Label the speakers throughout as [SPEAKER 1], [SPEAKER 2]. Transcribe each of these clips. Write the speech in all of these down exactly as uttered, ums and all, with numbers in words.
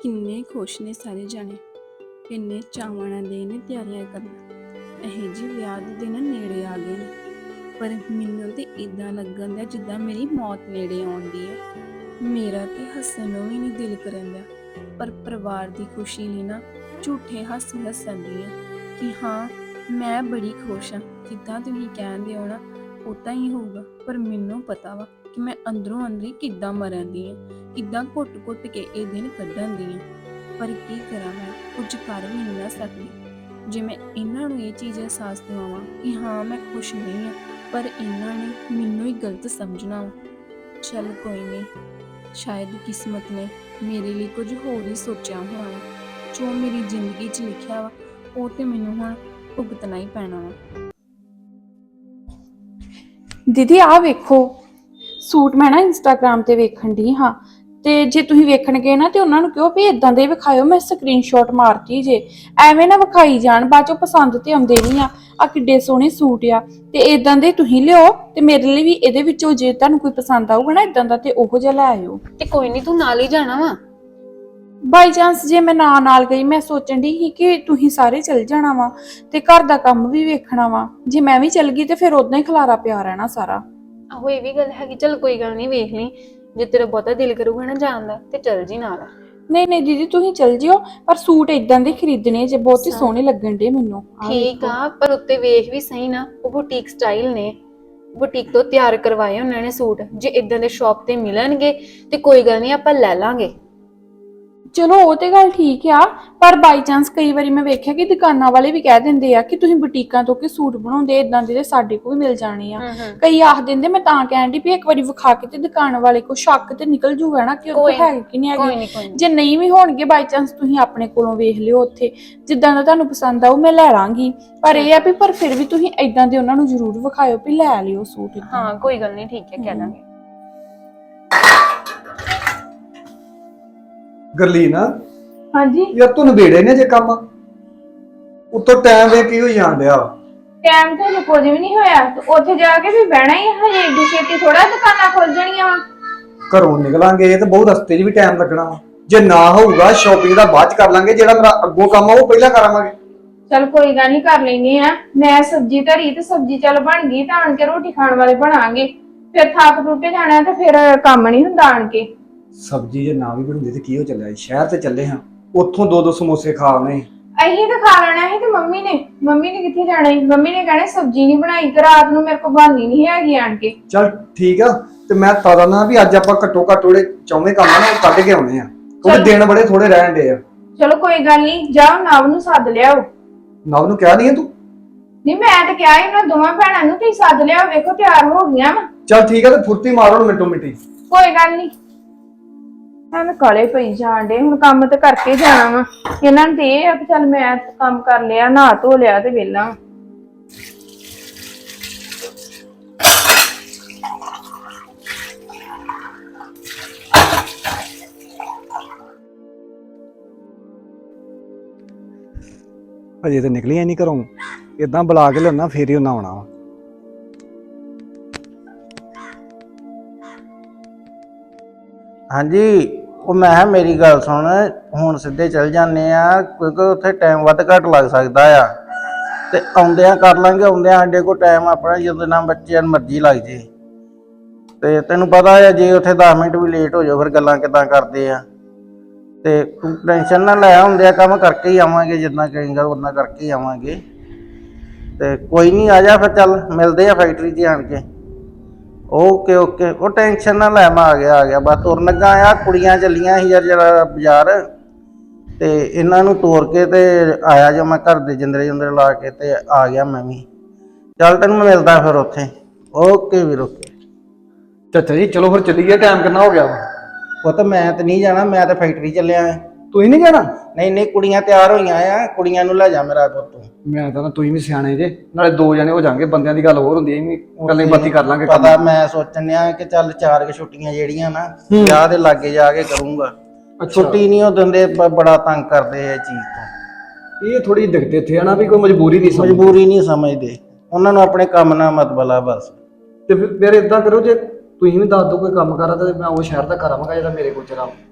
[SPEAKER 1] ਕਿੰਨੇ ਖੁਸ਼ ਨੇ ਸਾਰੇ ਜਾਣੇ, ਕਿੰਨੇ ਚਾਵਾਂ ਨਾਲ ਦੇ ਨੇ ਤਿਆਰੀਆਂ ਕਰਨਾ। ਇਹੋ ਜਿਹੇ ਵਿਆਹ ਦੇ ਦਿਨ ਨੇੜੇ ਆ ਗਏ ਨੇ, ਪਰ ਮੈਨੂੰ ਤੇ ਇਦਾਂ ਲੱਗਣ ਦਿਆ ਜਿੱਦਾਂ ਮੇਰੀ ਮੌਤ ਨੇੜੇ ਆਉਂਦੀ ਹੈ। ਮੇਰਾ ਤੇ ਹੱਸਣ ਨੂੰ ਵੀ ਨਹੀਂ ਦਿਲ ਕਰਨ ਦਿਆ, ਪਰ ਪਰਿਵਾਰ ਦੀ ਖੁਸ਼ੀ ਲਈ ਨਾ ਝੂਠੇ ਹਾਸੇ ਹੱਸਣ ਦੀ ਆ ਕਿ ਹਾਂ ਮੈਂ ਬੜੀ ਖੁਸ਼ ਹਾਂ। ਜਿੱਦਾਂ ਤੁਸੀਂ ਕਹਿੰਦੇ ਹੋ ਨਾ ਉਦਾਂ ਹੀ ਹੋਊਗਾ, ਪਰ ਮੈਨੂੰ ਪਤਾ ਵਾ ਕਿ ਮੈਂ ਅੰਦਰੋਂ ਅੰਦਰੀ ਕਿੱਦਾਂ ਮਰਨ ਦੀ ਆ, ਕਿੱਦਾਂ ਘੁੱਟ-ਘੁੱਟ ਕੇ ਇਹ ਦਿਨ ਕੱਢਣ ਦੀ ਆ। ਪਰ ਕੀ ਕਰਾਂ, ਮੈਂ ਕੁਝ ਕਰ ਵੀ ਨਹੀਂ ਨਾ ਸਕਦੀ। ਜੇ ਮੈਂ ਇਹਨਾਂ ਨੂੰ ਇਹ ਚੀਜ਼ ਅਹਿਸਾਸ ਦਿਵਾਵਾਂ ਕਿ ਹਾਂ ਮੈਂ ਖੁਸ਼ ਨਹੀਂ ਹਾਂ, ਪਰ ਇਹਨਾਂ ਨੇ ਮੈਨੂੰ ਹੀ ਗਲਤ ਸਮਝਣਾ ਵਾ। ਚੱਲ ਕੋਈ ਨਹੀਂ, ਸ਼ਾਇਦ ਕਿਸਮਤ ਨੇ ਮੇਰੇ ਲਈ ਕੁਝ ਹੋਰ ਹੀ ਸੋਚਿਆ ਹੋਣਾ ਵਾ। ਜੋ ਮੇਰੀ ਜ਼ਿੰਦਗੀ 'ਚ ਲਿਖਿਆ ਵਾ ਉਹ ਤੇ ਮੈਨੂੰ ਹੁਣ ਭੁਗਤਣਾ ਹੀ ਪੈਣਾ ਵਾ।
[SPEAKER 2] ਦੀਦੀ ਆਹ ਵੇਖੋ ਸੂਟ ਮੈਂ ਨਾ ਇੰਸਟਾਗ੍ਰਾਮ ਤੇ ਵੇਖਣ ਦੀ ਹਾਂ, ਤੇ ਜੇ ਤੁਸੀਂ ਵੇਖਣ ਗਏ ਨਾ ਤੇ ਉਹਨਾਂ ਨੂੰ ਕਹੋ ਵੀ ਇਦਾਂ ਦੇ ਵਿਖਾਇਓ, ਮੈਂ ਸਕਰੀਨਸ਼ਾਟ ਮਾਰਤੀ ਜੇ। ਐਵੇਂ ਨਾ ਵਿਖਾਈ ਜਾਣ, ਬਾਅਦ ਚੋਂ ਪਸੰਦ ਤੇ ਆਉਂਦੇ ਨਹੀਂ ਆ। ਆ ਕਿੱਡੇ ਸੋਹਣੇ ਸੂਟ ਆ, ਤੇ ਇਦਾਂ ਦੇ ਤੁਸੀਂ ਲਿਓ ਤੇ ਮੇਰੇ ਲਈ ਵੀ ਇਹਦੇ ਵਿੱਚੋਂ ਜੇ ਤੁਹਾਨੂੰ ਕੋਈ ਪਸੰਦ ਆਊਗਾ ਨਾ ਇਦਾਂ ਦਾ ਤੇ ਉਹੋ ਜਿਹਾ ਲੈ ਆਇਓ।
[SPEAKER 3] ਤੇ ਕੋਈ ਨਹੀਂ, ਤੂੰ ਨਾਲ ਹੀ ਜਾਣਾ ਵਾ।
[SPEAKER 2] ਬਾਈ ਚਾਂਸ ਜੇ ਮੈਂ ਨਾ ਨਾਲ ਗਈ, ਮੈਂ ਸੋਚਣ ਦੀ ਸੀ ਕਿ ਤੁਸੀਂ ਸਾਰੇ ਚਲ ਜਾਣਾ ਵਾ ਤੇ ਘਰ ਦਾ ਕੰਮ ਵੀ ਵੇਖਣਾ ਵਾ। ਜੇ ਮੈਂ ਵੀ ਚਲ ਗਈ ਤੇ ਫਿਰ ਉਦਾਂ ਹੀ ਖਲਾਰਾ ਪਿਆ ਰਹਿਣਾ ਸਾਰਾ।
[SPEAKER 3] ਆਹੋ ਇਹ ਵੀ ਗੱਲ ਹੈਗੀ, ਚਲ ਕੋਈ ਗੱਲ ਨਹੀਂ, ਵੇਖ ਲਈ। ਜੇ ਤੇਰਾ ਬਹੁਤਾ ਦਿਲ ਕਰੂਗਾ ਨਾ ਜਾਣ ਦਾ ਤੇ ਚਲ ਜੀ ਨਾਲ।
[SPEAKER 2] ਨਹੀਂ ਨਹੀਂ ਦੀਦੀ ਤੁਸੀਂ ਚਲ ਜਿਓ, ਪਰ ਸੂਟ ਇਦਾਂ ਦੇ ਖਰੀਦਣੇ ਜੇ, ਬਹੁਤ ਹੀ ਸੋਹਣੇ ਲੱਗਣ ਡੇ ਮੈਨੂੰ।
[SPEAKER 3] ਠੀਕ ਆ, ਪਰ ਉੱਤੇ ਵੇਖ ਵੀ ਸਹੀ ਨਾ, ਉਹ ਬੁਟੀਕ ਸਟਾਈਲ ਨੇ, ਬੁਟੀਕ ਤੋਂ ਤਿਆਰ ਕਰਵਾਏ ਉਹਨਾਂ ਨੇ ਸੂਟ। ਜੇ ਇਦਾਂ ਦੇ ਸ਼ਾਪ ਤੇ ਮਿਲਣਗੇ ਤੇ ਕੋਈ ਗੱਲ ਨਹੀਂ, ਆਪਾਂ ਲੈ ਲਾਂਗੇ।
[SPEAKER 2] ਚਲੋ ਉਹ ਤੇ ਗੱਲ ਠੀਕ ਆ, ਪਰ ਬਾਈ ਚਾਂਸ ਕਈ ਵਾਰੀ ਮੈਂ ਵੇਖਿਆ ਕਿ ਦੁਕਾਨਾਂ ਵਾਲੇ ਵੀ ਕਹਿ ਦਿੰਦੇ ਆ ਕਿ ਤੁਸੀਂ ਬੁਟੀਕਾਂ ਤੋਂ ਕਿ ਸੂਟ ਬਣਾਉਂਦੇ ਇਦਾਂ ਦੇ ਸਾਡੇ ਕੋਲ ਵੀ ਮਿਲ ਜਾਣੇ ਆ। ਕਈ ਆਖ ਦਿੰਦੇ, ਮੈਂ ਤਾਂ ਕਹਿਣ ਦੀ ਵੀ ਇੱਕ ਵਾਰੀ ਵਿਖਾ ਕੇ ਤੇ ਦੁਕਾਨ ਵਾਲੇ ਕੋ ਸ਼ੱਕ ਤੇ ਨਿਕਲ ਜੂਗਾ ਨਾ ਕਿ ਉਹ ਹੈ ਕਿ ਨਹੀਂ ਹੈਗੇ। ਜੇ ਨਹੀਂ ਵੀ ਹੋਣਗੇ ਬਾਈ ਚਾਂਸ ਤੁਸੀਂ ਆਪਣੇ ਕੋਲੋਂ ਵੇਖ ਲਿਓ, ਉੱਥੇ ਜਿੱਦਾਂ ਦਾ ਤੁਹਾਨੂੰ ਪਸੰਦ ਆਊ ਮੈਂ ਲੈ ਲਾਂਗੀ। ਪਰ ਇਹ ਆ ਵੀ ਪਰ ਫਿਰ ਵੀ ਤੁਸੀਂ ਇਦਾਂ ਦੇ ਉਹਨਾਂ ਨੂੰ ਜ਼ਰੂਰ ਵਿਖਾਇਓ ਵੀ ਲੈ ਲਿਓ ਸੂਟ।
[SPEAKER 3] ਹਾਂ ਕੋਈ ਗੱਲ ਨਹੀਂ, ਠੀਕ ਹੈ, ਕਹਿ ਦਾਂਗੇ।
[SPEAKER 4] ਗਰਲੀਨ,
[SPEAKER 2] ਹਾਂਜੀ
[SPEAKER 4] ਯਾਰ ਤੂੰ ਨਵੇੜੇ ਨੇ ਜੇ ਕੰਮ ਉੱਤੋਂ ਟਾਈਮ ਵੇ ਕੀ ਹੋਈ ਜਾਣ ਡਿਆ।
[SPEAKER 2] ਟਾਈਮ ਤੇ ਕੁਝ ਵੀ ਨਹੀਂ ਹੋਇਆ, ਉੱਥੇ ਜਾ ਕੇ ਵੀ ਬਹਿਣਾ ਹੀ ਹਜੇ। ਏਡੀ ਛੇਤੀ ਥੋੜਾ ਦੁਕਾਨਾਂ ਖੁੱਲ ਜਾਣੀਆਂ ਵਾ।
[SPEAKER 4] ਘਰੋਂ ਨਿਕਲਾਂਗੇ ਤੇ ਬਹੁਤ ਰਸਤੇ 'ਚ ਵੀ ਟਾਈਮ ਲੱਗਣਾ ਵਾ। ਜੇ ਨਾ ਹੋਊਗਾ ਸ਼ਾਪਿੰਗ ਦਾ ਬਾਅਦ 'ਚ ਕਰ ਲਾਂਗੇ, ਜਿਹੜਾ ਮੇਰਾ ਅੱਗੋਂ ਕੰਮ ਆ ਉਹ ਪਹਿਲਾਂ ਕਰਾਂਗੇ।
[SPEAKER 2] ਚਲ ਕੋਈ ਗੱਲ ਨਹੀਂ, ਕਰ ਲੈਨੇ ਆ। ਮੈਂ ਸਬਜ਼ੀ ਧਰੀ ਤੇ ਸਬਜ਼ੀ ਚੱਲ ਬਣ ਗਈ ਤਾਂ ਆਣ ਕੇ ਰੋਟੀ ਖਾਣ ਵਾਲੇ ਬਣਾਂਗੇ। ਫਿਰ ਥੱਕ ਟੁੱਟੇ ਜਾਣਾ ਤੇ ਫਿਰ ਕੰਮ ਨਹੀਂ ਹੁੰਦਾ ਆਣ ਕੇ।
[SPEAKER 4] ਸਬਜ਼ੀ ਜੇ ਨਾ ਵੀ ਬਣਦੀ ਤੇ ਕੀ ਹੋ ਚੱਲਿਆ, ਸ਼ਹਿਰ ਤੇ ਚੱਲੇ ਹਾਂ, ਉੱਥੋਂ ਦੋ ਦੋ ਸਮੋਸੇ ਖਾ ਆਉਣੇ।
[SPEAKER 2] ਅਹੀਂ ਤਾਂ ਖਾ ਲੈਣਾ ਸੀ ਤੇ ਮੰਮੀ ਨੇ ਮੰਮੀ ਨੇ ਕਿੱਥੇ ਜਾਣਾ ਸੀ? ਮੰਮੀ ਨੇ ਕਹਿਣਾ ਸਬਜ਼ੀ ਨਹੀਂ ਬਣਾਈ ਤੇ ਰਾਤ ਨੂੰ ਮੇਰੇ ਕੋਲ ਬਣਨੀ ਨਹੀਂ ਹੈਗੀ ਆਣ ਕੇ।
[SPEAKER 4] ਚੱਲ ਠੀਕ ਆ, ਤੇ ਮੈਂ ਤਾਂ ਨਾ ਵੀ ਅੱਜ ਆਪਾਂ ਘੱਟੋ ਘੱਟ ਥੋੜੇ ਚੌਵੇਂ ਕੰਮ ਨਾ ਕੱਢ ਕੇ ਆਉਣੇ ਆ, ਕਿਉਂਕਿ ਦਿਨ ਬੜੇ ਥੋੜੇ ਰਹਿਣ ਡੇ ਆ।
[SPEAKER 2] ਚਲੋ ਕੋਈ ਗੱਲ ਨਹੀਂ, ਜਾਓ ਨਵ ਨੂੰ ਸੱਦ ਲਿਆਓ।
[SPEAKER 4] ਨਵ ਨੂੰ ਕਹਿ ਦਈਏ ਤੂੰ?
[SPEAKER 2] ਨਹੀਂ ਮੈਂ ਤਾਂ ਕਿਹਾ ਇਹਨਾਂ ਦੋਵਾਂ ਭੈਣਾਂ ਨੂੰ ਤੁਸੀਂ ਸੱਦ ਲਿਆਓ, ਵੇਖੋ ਤਿਆਰ ਹੋ ਗਈਆਂ ਵਾ।
[SPEAKER 4] ਚੱਲ ਠੀਕ ਆ, ਤੇ ਫੁਰਤੀ ਮਾਰੋ ਮਿੰਟੋ ਮਿੰਟੀ।
[SPEAKER 2] ਕੋਈ ਗੱਲ ਨਹੀਂ, ਮੈਂ ਕਾਲੇ ਪਈ ਜਾਣ ਡੇ, ਹੁਣ ਕੰਮ ਤੇ ਕਰਕੇ ਜਾਣਾ ਵਾ। ਇਹਨਾਂ ਨੂੰ ਤੇ ਇਹ ਆ ਵੀ ਚੱਲ ਮੈਂ ਕੰਮ ਕਰ ਲਿਆ, ਨਹਾ ਧੋ ਲਿਆ ਤੇ ਵਿਹਲਾ।
[SPEAKER 4] ਅਜੇ ਤੇ ਨਿਕਲੀਆਂ ਨਹੀਂ ਘਰੋਂ, ਇਦਾਂ ਬੁਲਾ ਕੇ ਲਿਆਉਣਾ ਫੇਰ ਹੀ ਉਹਨਾਂ ਆਉਣਾ ਵਾ।
[SPEAKER 5] ਹਾਂਜੀ, ਉਹ ਮੈਂ ਕਿਹਾ ਮੇਰੀ ਗੱਲ ਸੁਣ, ਹੁਣ ਸਿੱਧੇ ਚੱਲ ਜਾਂਦੇ ਆ ਕਿਉਂਕਿ ਉੱਥੇ ਟਾਈਮ ਵੱਧ ਘੱਟ ਲੱਗ ਸਕਦਾ ਆ, ਤੇ ਆਉਂਦਿਆਂ ਕਰ ਲਾਂਗੇ। ਆਉਂਦਿਆਂ ਸਾਡੇ ਕੋਲ ਟਾਈਮ ਆਪਣਾ ਜਦੋਂ ਨਾ ਬੱਚਿਆਂ ਨੂੰ ਮਰਜ਼ੀ ਲੱਗ ਜੇ। ਤੇ ਤੈਨੂੰ ਪਤਾ ਆ ਜੇ ਉੱਥੇ ਦਸ ਮਿੰਟ ਵੀ ਲੇਟ ਹੋ ਜਾਓ ਫਿਰ ਗੱਲਾਂ ਕਿੱਦਾਂ ਕਰਦੇ ਆ। ਤੇ ਤੂੰ ਟੈਨਸ਼ਨ ਨਾ ਲੈ, ਹੁੰਦਿਆਂ ਕੰਮ ਕਰਕੇ ਹੀ ਆਵਾਂਗੇ, ਜਿੱਦਾਂ ਕਹੇਂਗਾ ਉਦਾਂ ਕਰਕੇ ਹੀ ਆਵਾਂਗੇ। ਤੇ ਕੋਈ ਨਹੀਂ, ਆ ਜਾ ਫਿਰ, ਚੱਲ ਮਿਲਦੇ ਆ ਫੈਕਟਰੀ 'ਚ ਆਣ ਕੇ। ਓਕੇ ਓਕੇ, ਉਹ ਟੈਨਸ਼ਨ ਨਾ ਲੈ, ਮੈਂ ਆ ਗਿਆ ਆ ਗਿਆ ਬਸ ਤੁਰਨ ਲੱਗਾ ਆ। ਕੁੜੀਆਂ ਚੱਲੀਆਂ ਸੀ ਯਾਰ ਜਰਾ ਬਾਜ਼ਾਰ, ਤੇ ਇਹਨਾਂ ਨੂੰ ਤੋਰ ਕੇ ਤੇ ਆਇਆ ਜੋ ਮੈਂ ਘਰ ਦੇ ਜਿੰਦਰੇ ਜਿੰਦਰੇ ਲਾ ਕੇ ਤੇ ਆ ਗਿਆ ਮੈਂ ਵੀ। ਚੱਲ ਤੈਨੂੰ ਮੈਂ ਮਿਲਦਾ ਫਿਰ ਉੱਥੇ। ਓਕੇ ਵੀਰ, ਓਕੇ।
[SPEAKER 4] ਚਾਚਾ ਜੀ ਚਲੋ ਫਿਰ ਚੱਲੀਏ, ਟਾਈਮ ਕਿੰਨਾ ਹੋ ਗਿਆ ਵਾ?
[SPEAKER 5] ਪੁੱਤ ਮੈਂ ਤੇ ਨਹੀਂ ਜਾਣਾ, ਮੈਂ ਤਾਂ ਫੈਕਟਰੀ ਚੱਲਿਆ ਆ।
[SPEAKER 4] ਤੁਸੀਂ ਨਹੀਂ ਜਾਣਾ?
[SPEAKER 5] ਨਹੀਂ ਨਹੀਂ, ਕੁੜੀਆਂ ਤਿਆਰ ਹੋਈਆਂ ਆ, ਕੁੜੀਆਂ ਨੂੰ ਲੈ ਜਾ ਮੇਰਾ ਪੁੱਤ।
[SPEAKER 4] ਮੈਂ ਤਾਂ ਨਾ ਤੁਸੀਂ ਵੀ ਸਿਆਣੇ ਜੇ, ਨਾਲੇ ਦੋ ਜਣੇ ਹੋ ਜਾਣਗੇ, ਬੰਦਿਆਂ ਦੀ ਗੱਲ ਹੋਰ ਹੁੰਦੀ ਐ, ਗੱਲਾਂ ਬਾਤੀ ਕਰ ਲਾਂਗੇ।
[SPEAKER 5] ਪਤਾ ਮੈਂ ਸੋਚਣ ਡਿਆ ਕਿ ਚੱਲ ਚਾਰ ਕੁ ਛੁੱਟੀਆਂ ਜਿਹੜੀਆਂ ਨਾ ਵਿਆਹ ਦੇ ਲਾਗੇ ਜਾ ਕੇ ਕਰੂੰਗਾ। ਛੁੱਟੀ ਨਹੀਂ ਉਹ ਦਿੰਦੇ, ਬੜਾ ਤੰਗ ਕਰਦੇ ਇਹ ਚੀਜ਼ ਤੋਂ।
[SPEAKER 4] ਇਹ ਥੋੜੀ ਦਿੱਕਤ ਇੱਥੇ ਆ ਨਾ ਵੀ ਕੋਈ ਮਜਬੂਰੀ ਨਹੀਂ ਸਮਝਦੇ।
[SPEAKER 5] ਮਜਬੂਰੀ ਨਹੀਂ ਸਮਝਦੇ, ਉਹਨਾਂ ਨੂੰ ਆਪਣੇ ਕੰਮ ਨਾਲ ਮਤਲਬ ਆ ਬਸ।
[SPEAKER 4] ਤੇ ਫਿਰ ਇਦਾਂ ਕਰੋ, ਜੇ ਤੁਸੀਂ ਵੀ ਦੱਸ ਦਿਓ ਕੋਈ ਕੰਮ ਕਰਾ ਤਾਂ ਮੈਂ ਉਹ ਸ਼ਹਿਰ ਦਾ ਕਰਾਂਗਾ ਜਿਹੜਾ ਮੇਰੇ ਕੋਲ ਚਲਾ।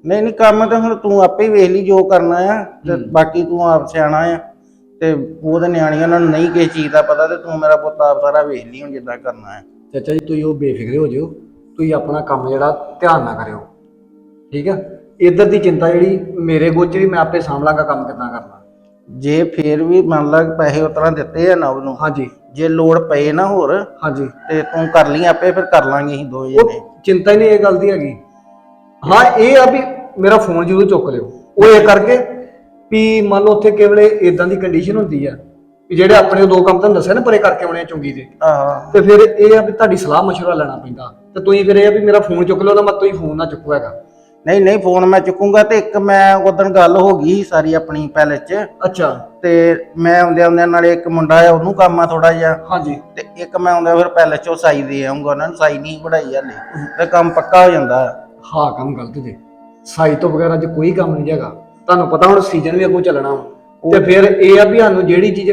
[SPEAKER 5] ਨਹੀਂ ਨਹੀਂ ਕੰਮ ਤਾਂ ਹੁਣ ਤੂੰ ਆਪੇ ਹੀ ਵੇਖ ਲਈ ਜੋ ਕਰਨਾ ਆ ਤੇ ਬਾਕੀ ਤੂੰ ਆਪ ਸਿਆਣਾ ਆ ਤੇ ਉਹਦੇ ਨਿਆਣੀਆਂ ਨੂੰ ਨਹੀਂ ਕਿਸੇ ਚੀਜ਼ ਦਾ ਪਤਾ ਤੇ ਤੂੰ ਮੇਰਾ ਪੁੱਤ ਆਪ ਸਾਰਾ ਵੇਖ ਲਈ ਹੁਣ ਜਿੱਦਾਂ ਕਰਨਾ ਹੈ।
[SPEAKER 4] ਚਾਚਾ ਜੀ ਤੁਸੀਂ ਉਹ ਬੇਫਿਕਰੇ ਹੋ ਜਿਓ, ਤੁਸੀਂ ਆਪਣਾ ਕੰਮ ਜਿਹੜਾ ਧਿਆਨ ਨਾਲ ਕਰਿਓ, ਠੀਕ ਆ। ਇੱਧਰ ਦੀ ਚਿੰਤਾ ਜਿਹੜੀ ਮੇਰੇ ਗੋਚਰੀ, ਮੈਂ ਆਪੇ ਸਾਂਭ ਲਾਂਗਾ ਕੰਮ ਕਿੱਦਾਂ ਕਰਨਾ।
[SPEAKER 5] ਜੇ ਫੇਰ ਵੀ ਮੰਨ ਲਾ ਪੈਸੇ ਉਤਰਾ ਦਿੱਤੇ ਆ ਨਵ ਨੂੰ,
[SPEAKER 4] ਹਾਂਜੀ
[SPEAKER 5] ਜੇ ਲੋੜ ਪਏ ਨਾ ਹੋਰ
[SPEAKER 4] ਹਾਂਜੀ,
[SPEAKER 5] ਤੇ ਤੂੰ ਕਰ ਲਈ ਆਪੇ, ਫਿਰ ਕਰ ਲਾਂਗੇ ਅਸੀਂ ਦੋਵੇਂ
[SPEAKER 4] ਉਹ
[SPEAKER 5] ਜਣੇ।
[SPEAKER 4] ਚਿੰਤਾ ਹੀ ਨਹੀਂ ਇਹ ਗੱਲ ਦੀ ਹੈਗੀ। ਹਾਂ ਇਹ ਆ ਵੀ ਮੇਰਾ ਫੋਨ ਜ਼ਰੂਰ ਚੁੱਕ ਲਿਓ, ਉਹ ਇਹ ਕਰਕੇ ਵੀ ਮੰਨ ਲਓ ਉੱਥੇ ਕਿਵਲੇ ਇਦਾਂ ਦੀ ਕੰਡੀਸ਼ਨ ਹੁੰਦੀ ਆ ਵੀ ਜਿਹੜੇ ਆਪਣੇ ਦੋ ਕੰਮ ਤੁਹਾਨੂੰ ਦੱਸਿਆ ਨਾ ਪਰੇ ਕਰਕੇ ਆਉਣੇ ਆ ਚੁੰਗੀ ਦੇ,
[SPEAKER 5] ਆਹ
[SPEAKER 4] ਤੇ ਫਿਰ ਇਹ ਆ ਵੀ ਤੁਹਾਡੀ ਸਲਾਹ ਮਸ਼ਵਰਾ ਲੈਣਾ ਪੈਂਦਾ, ਤੇ ਤੁਸੀਂ ਫਿਰ ਇਹ ਆ ਵੀ ਮੇਰਾ ਫੋਨ ਚੁੱਕ ਲਓ, ਤਾਂ ਮੈਂ ਤੁਸੀਂ ਫੋਨ ਨਾ ਚੁੱਕੋ ਹੈਗਾ।
[SPEAKER 5] ਨਹੀਂ ਨਹੀਂ ਫੋਨ ਮੈਂ ਚੁੱਕੂੰਗਾ। ਤੇ ਇੱਕ ਮੈਂ ਉਦੋਂ ਗੱਲ ਹੋ ਗਈ ਸਾਰੀ ਆਪਣੀ ਪੈਲਸ 'ਚ,
[SPEAKER 4] ਅੱਛਾ
[SPEAKER 5] ਤੇ ਮੈਂ ਆਉਂਦਿਆਂ ਆਉਂਦਿਆਂ ਨਾਲੇ ਇੱਕ ਮੁੰਡਾ ਆ ਉਹਨੂੰ ਕੰਮ ਆ ਥੋੜਾ ਜਿਹਾ,
[SPEAKER 4] ਹਾਂਜੀ,
[SPEAKER 5] ਤੇ ਇੱਕ ਮੈਂ ਆਉਂਦਾ ਫਿਰ ਪੈਲਸ 'ਚੋਂ ਸਾਈ ਦੇ ਆਉਂਗਾ, ਉਹਨਾਂ ਨੂੰ ਸਾਈ ਨਹੀਂ ਬਣਾਈ ਹਾਲੇ, ਤੇ ਕੰਮ ਪੱਕਾ ਹੋ ਜਾਂਦਾ।
[SPEAKER 4] ਹਾਂ ਕੰਮ ਗਲਤ ਜੇ, ਸਾਈ ਤੋਂ ਬਗੈਰ ਅੱਜ ਕੋਈ ਕੰਮ ਨਹੀਂ ਹੈਗਾ। ਤੁਹਾਨੂੰ ਪਤਾ ਹੁਣ ਸੀਜ਼ਨ ਵੀ ਅੱਗੋਂ ਚੱਲਣਾ ਵਾ, ਤੇ ਫਿਰ ਇਹ ਆ ਵੀ ਸਾਨੂੰ ਜਿਹੜੀ ਚੀਜ਼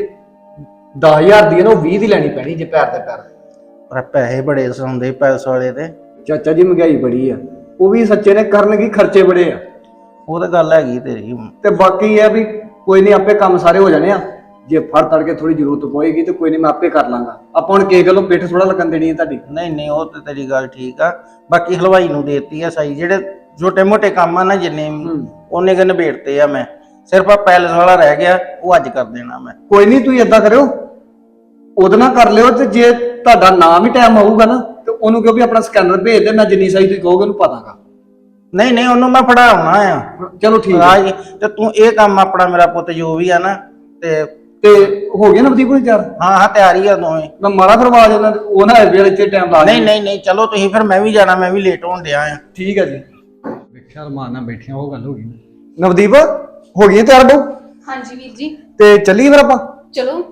[SPEAKER 4] ਦਸ ਹਜ਼ਾਰ ਦੀ ਹੈ ਨਾ ਉਹ ਵੀਹ ਦੀ ਲੈਣੀ ਪੈਣੀ ਜੇ ਪੈਰ ਤੇ ਪੈਰ।
[SPEAKER 5] ਪਰ ਪੈਸੇ ਬੜੇ ਸੌਂਦੇ ਪੈਲਸ ਵਾਲੇ ਤੇ।
[SPEAKER 4] ਚਾਚਾ ਜੀ ਮਹਿੰਗਾਈ ਬੜੀ ਆ, ਉਹ ਵੀ ਸੱਚੇ ਨੇ ਕਰਨਗੇ, ਖਰਚੇ ਬੜੇ ਆ।
[SPEAKER 5] ਉਹ ਤਾਂ ਗੱਲ ਹੈਗੀ ਤੇਰੀ।
[SPEAKER 4] ਤੇ ਬਾਕੀ ਇਹ ਆ ਵੀ ਕੋਈ ਨਹੀਂ, ਆਪੇ ਕੰਮ ਸਾਰੇ ਹੋ ਜਾਣੇ ਆ। ਜੇ ਫੜ ਤੜ ਕੇ ਥੋੜੀ ਜ਼ਰੂਰਤ ਪਏਗੀ ਤੇ ਕੋਈ ਨਹੀਂ, ਮੈਂ ਆਪੇ ਕਰ ਲਾਂਗਾ। ਆਪਾਂ ਹੁਣ ਕਿਸੇ ਗੱਲੋਂ ਪਿੱਠ ਥੋੜਾ ਲੱਗਣ ਦੇਣੀ ਹੈ ਤੁਹਾਡੀ।
[SPEAKER 5] ਨਹੀਂ ਨਹੀਂ ਉਹ ਤੇ ਤੇਰੀ ਗੱਲ ਠੀਕ ਆ। ਬਾਕੀ ਹਲਵਾਈ ਨੂੰ ਦੇਤੀ ਆ ਸਾਈ, ਜਿਹੜੇ ਛੋਟੇ ਮੋਟੇ ਕੰਮ ਆ ਨਾ ਜਿੰਨੇ ਉਹਨੇ ਕਿ ਨਿਬੇੜਤੇ ਆ ਮੈਂ, ਸਿਰਫ ਆ ਪੈਲਸ ਵਾਲਾ ਰਹਿ ਗਿਆ, ਉਹ ਅੱਜ ਕਰ ਦੇਣਾ ਮੈਂ।
[SPEAKER 4] ਕੋਈ ਨਹੀਂ ਤੁਸੀਂ ਏਦਾਂ ਕਰਿਓ, ਉਹਦੇ ਨਾਲ ਕਰ ਲਿਓ, ਤੇ ਜੇ ਤੁਹਾਡਾ ਨਾਮ ਹੀ ਟਾਈਮ ਆਊਗਾ ਨਾ ਤੇ ਉਹਨੂੰ ਕਹੋ ਵੀ ਆਪਣਾ ਸਕੈਨਰ ਭੇਜ ਦੇ, ਮੈਂ ਜਿੰਨੀ ਸਾਈ ਤੁਸੀਂ ਕਹੋਗੇ ਉਹਨੂੰ ਪਾਦਾਂਗਾ।
[SPEAKER 5] ਨਹੀਂ ਨਹੀਂ ਉਹਨੂੰ ਮੈਂ ਫੜਾਉਣਾ ਆ।
[SPEAKER 4] ਚਲੋ ਠੀਕ
[SPEAKER 5] ਆ
[SPEAKER 4] ਹੈ
[SPEAKER 5] ਜੀ, ਤੇ ਤੂੰ ਇਹ ਕੰਮ ਆਪਣਾ ਮੇਰਾ ਪੁੱਤ ਜੋ ਵੀ ਆ ਨਾ, ਤੇ
[SPEAKER 4] ਤੇ ਹੋ ਗਿਆ ਨਵਦੀਪ ਕੋਲ ਚਾਰ।
[SPEAKER 5] ਹਾਂ ਹਾਂ ਤਿਆਰੀ ਆ ਦੋਵੇਂ।
[SPEAKER 4] ਮੈਂ ਮਾਰਾ ਕਰਵਾ ਦੇਣਾ, ਉਹ ਨਾ ਵੇਲੇ ਇੱਥੇ ਟਾਈਮ ਲਾ
[SPEAKER 5] ਨਹੀਂ ਨਹੀਂ ਨਹੀਂ ਚਲੋ ਤੁਸੀਂ, ਫਿਰ ਮੈਂ ਵੀ ਜਾਣਾ, ਮੈਂ ਵੀ ਲੇਟ ਹੋਣ ਡਿਆ ਆ।
[SPEAKER 4] ਠੀਕ ਹੈ ਜੀ। ਵੇਖਿਆ ਰਮਾਨ ਨਾਲ ਬੈਠਿਆ, ਉਹ ਗੱਲ ਹੋ ਗਈ। ਨਵਦੀਪ ਹੋ ਗਈ ਤਿਆਰ ਬਹੂ?
[SPEAKER 2] ਹਾਂਜੀ ਵੀਰ ਜੀ।
[SPEAKER 4] ਤੇ ਚੱਲੀਏ ਫਿਰ ਆਪਾਂ?
[SPEAKER 2] ਚਲੋ।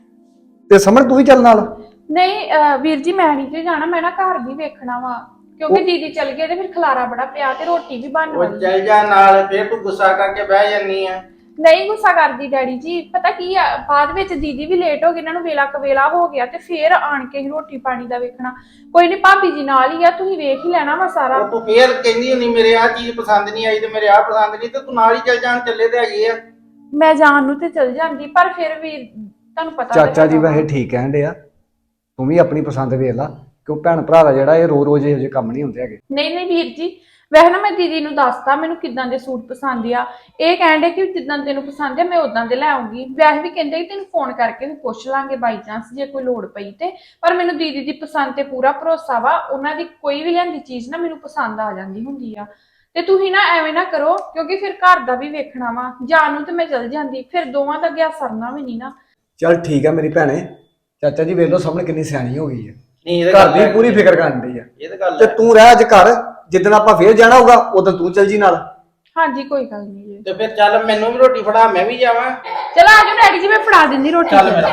[SPEAKER 4] ਤੇ ਸਮਝ ਤੂੰ ਵੀ ਚੱਲ ਨਾਲ।
[SPEAKER 2] ਨਹੀਂ ਅਹ ਵੀਰ ਜੀ ਮੈਂ ਨਹੀਂ ਤੇ ਜਾਣਾ, ਮੈਂ ਨਾ ਘਰ ਵੀ ਵੇਖਣਾ ਵਾ, ਕਿਉਂਕਿ ਦੀਦੀ ਚਲ ਗਏ ਤੇ ਫਿਰ ਖਲਾਰਾ ਬੜਾ ਪਿਆ ਤੇ ਰੋਟੀ ਵੀ ਬਣਨ ਵਾਲੀ।
[SPEAKER 5] ਚੱਲ ਜਾ ਨਾਲ, ਫਿਰ ਤੂੰ ਗੁੱਸਾ ਕਰਕੇ ਬਹਿ ਜਾਨੀ ਆ।
[SPEAKER 2] ਨਹੀਂ ਗੁੱਸਾ ਕਰਦੀ ਡੈਡੀ ਜੀ, ਪਤਾ ਕੀ ਆ, ਬਾਅਦ ਵਿੱਚ ਦੀਦੀ ਵੀ ਲੇਟ ਹੋ ਗਏ, ਇਹਨਾਂ ਨੂੰ ਵੇਲਾ ਕਵੇਲਾ ਹੋ ਗਿਆ ਤੇ ਫੇਰ ਆਣ ਕੇ ਹੀ ਰੋਟੀ ਪਾਣੀ ਦਾ ਵੇਖਣਾ। ਕੋਈ ਨਹੀਂ ਭਾਬੀ ਜੀ ਨਾਲ ਹੀ ਆ, ਤੁਸੀਂ ਵੇਖ ਹੀ ਲੈਣਾ ਵਾ ਸਾਰਾ।
[SPEAKER 5] ਤੂੰ ਫੇਰ ਕਹਿੰਦੀ ਹੁੰਦੀ ਮੇਰੇ ਆਹ ਚੀਜ਼ ਪਸੰਦ ਨਹੀਂ ਆਈ ਤੇ ਮੇਰੇ ਆਹ ਪਸੰਦ ਨਹੀਂ, ਤੇ ਤੂੰ ਨਾਲ ਹੀ ਚੱਲ ਜਾਣ, ਚੱਲੇ ਤੇ ਹੈਗੇ ਆ।
[SPEAKER 2] ਮੈਂ ਜਾਣ ਨੂੰ ਤੇ ਚਲ ਜਾਂਦੀ, ਪਰ ਫਿਰ ਵੀ ਤੁਹਾਨੂੰ ਪਤਾ
[SPEAKER 4] ਚਾਚਾ ਜੀ ਵੈਸੇ ਠੀਕ ਕਹਿੰਦੇ ਆ, ਤੂੰ ਵੀ ਆਪਣੀ ਪਸੰਦ ਵੇਖ ਲਾ, ਕਿਉਂ ਭੈਣ ਭਰਾ ਦਾ ਜਿਹੜਾ ਇਹ ਰੋ ਰੋਜ਼ ਇਹੋ ਜਿਹੇ ਕੰਮ ਨਹੀਂ ਹੁੰਦੇ ਹੈਗੇ।
[SPEAKER 2] ਨਹੀਂ ਨਹੀਂ ਵੀਰ ਜੀ, ਵੈਸੇ ਨਾ ਮੈਂ ਦੀਦੀ ਨੂੰ ਦੱਸਤਾ ਮੈਨੂੰ ਕਿਦਾਂ ਦੇ ਸੂਟ ਪਸੰਦ ਆ, ਇਹ ਕਹਿੰਦੇ ਕਿ ਜਿੱਦਾਂ ਤੈਨੂੰ ਪਸੰਦ ਆ ਮੈਂ ਉਦਾਂ ਦੇ ਲੈ ਆਉਂਗੀ। ਵੈਸੇ ਵੀ ਕਹਿੰਦੇ ਕਿ ਤੈਨੂੰ ਫੋਨ ਕਰਕੇ ਵੀ ਪੁੱਛ ਲਾਂਗੇ ਬਾਈ ਚਾਂਸ ਜੇ ਕੋਈ ਲੋੜ ਪਈ ਤੇ, ਪਰ ਮੈਨੂੰ ਦੀਦੀ ਦੀ ਪਸੰਦ ਤੇ ਪੂਰਾ ਭਰੋਸਾ ਵਾ, ਉਹਨਾਂ ਦੀ ਕੋਈ ਵੀ ਲਿਆਂਦੀ ਚੀਜ਼ ਨਾ ਮੈਨੂੰ ਪਸੰਦ ਆ ਜਾਂਦੀ ਹੁੰਦੀ ਆ। ਤੇ ਤੁਸੀਂ ਨਾ ਐਵੇਂ ਨਾ ਕਰੋ, ਕਿਉਂਕਿ ਫਿਰ ਘਰ ਦਾ ਵੀ ਵੇਖਣਾ ਵਾ, ਜਾਣ ਨੂੰ ਤੇ ਮੈਂ ਚਲ ਜਾਂਦੀ, ਫਿਰ ਦੋਵਾਂ ਦਾ ਗਿਆ ਸਰਨਾ ਵੀ ਨਹੀਂ ਨਾ।
[SPEAKER 4] ਚੱਲ ਠੀਕ ਆ ਮੇਰੀ ਭੈਣੇ, ਚਾਚਾ ਜੀ ਵੇਖ ਲਓ ਸਾਹਮਣੇ ਕਿੰਨੀ ਸਿਆਣੀ ਹੋ ਗਈ ਹੈ,
[SPEAKER 5] ਨਹੀਂ ਇਹ
[SPEAKER 4] ਘਰ ਦੀ ਪੂਰੀ ਫਿਕਰ ਕਰਨ ਦੀ ਆ।
[SPEAKER 5] ਇਹ ਤਾਂ ਗੱਲ
[SPEAKER 4] ਤੇ ਤੂੰ ਰਹਿ ਅੱਜ ਘਰ, ਜਿੱਦਣ ਆਪਾਂ ਫੇਰ ਜਾਣਾ ਹੋਊਗਾ ਉਦੋਂ ਤੂੰ ਚੱਲ ਜੀ ਨਾਲ।
[SPEAKER 2] ਹਾਂਜੀ ਕੋਈ ਗੱਲ ਨਹੀਂ ਜੀ।
[SPEAKER 5] ਤੇ ਫਿਰ ਚੱਲ ਮੈਨੂੰ ਵੀ ਰੋਟੀ ਫੜਾ, ਮੈਂ ਵੀ ਜਾਵਾਂ।
[SPEAKER 2] ਚਲੋ ਆ ਜਾਓ ਡੈਡੀ ਜੀ, ਮੈਂ ਫੜਾ ਦਿੰਦੀ ਰੋਟੀ।
[SPEAKER 5] ਚੱਲ ਮੇਰਾ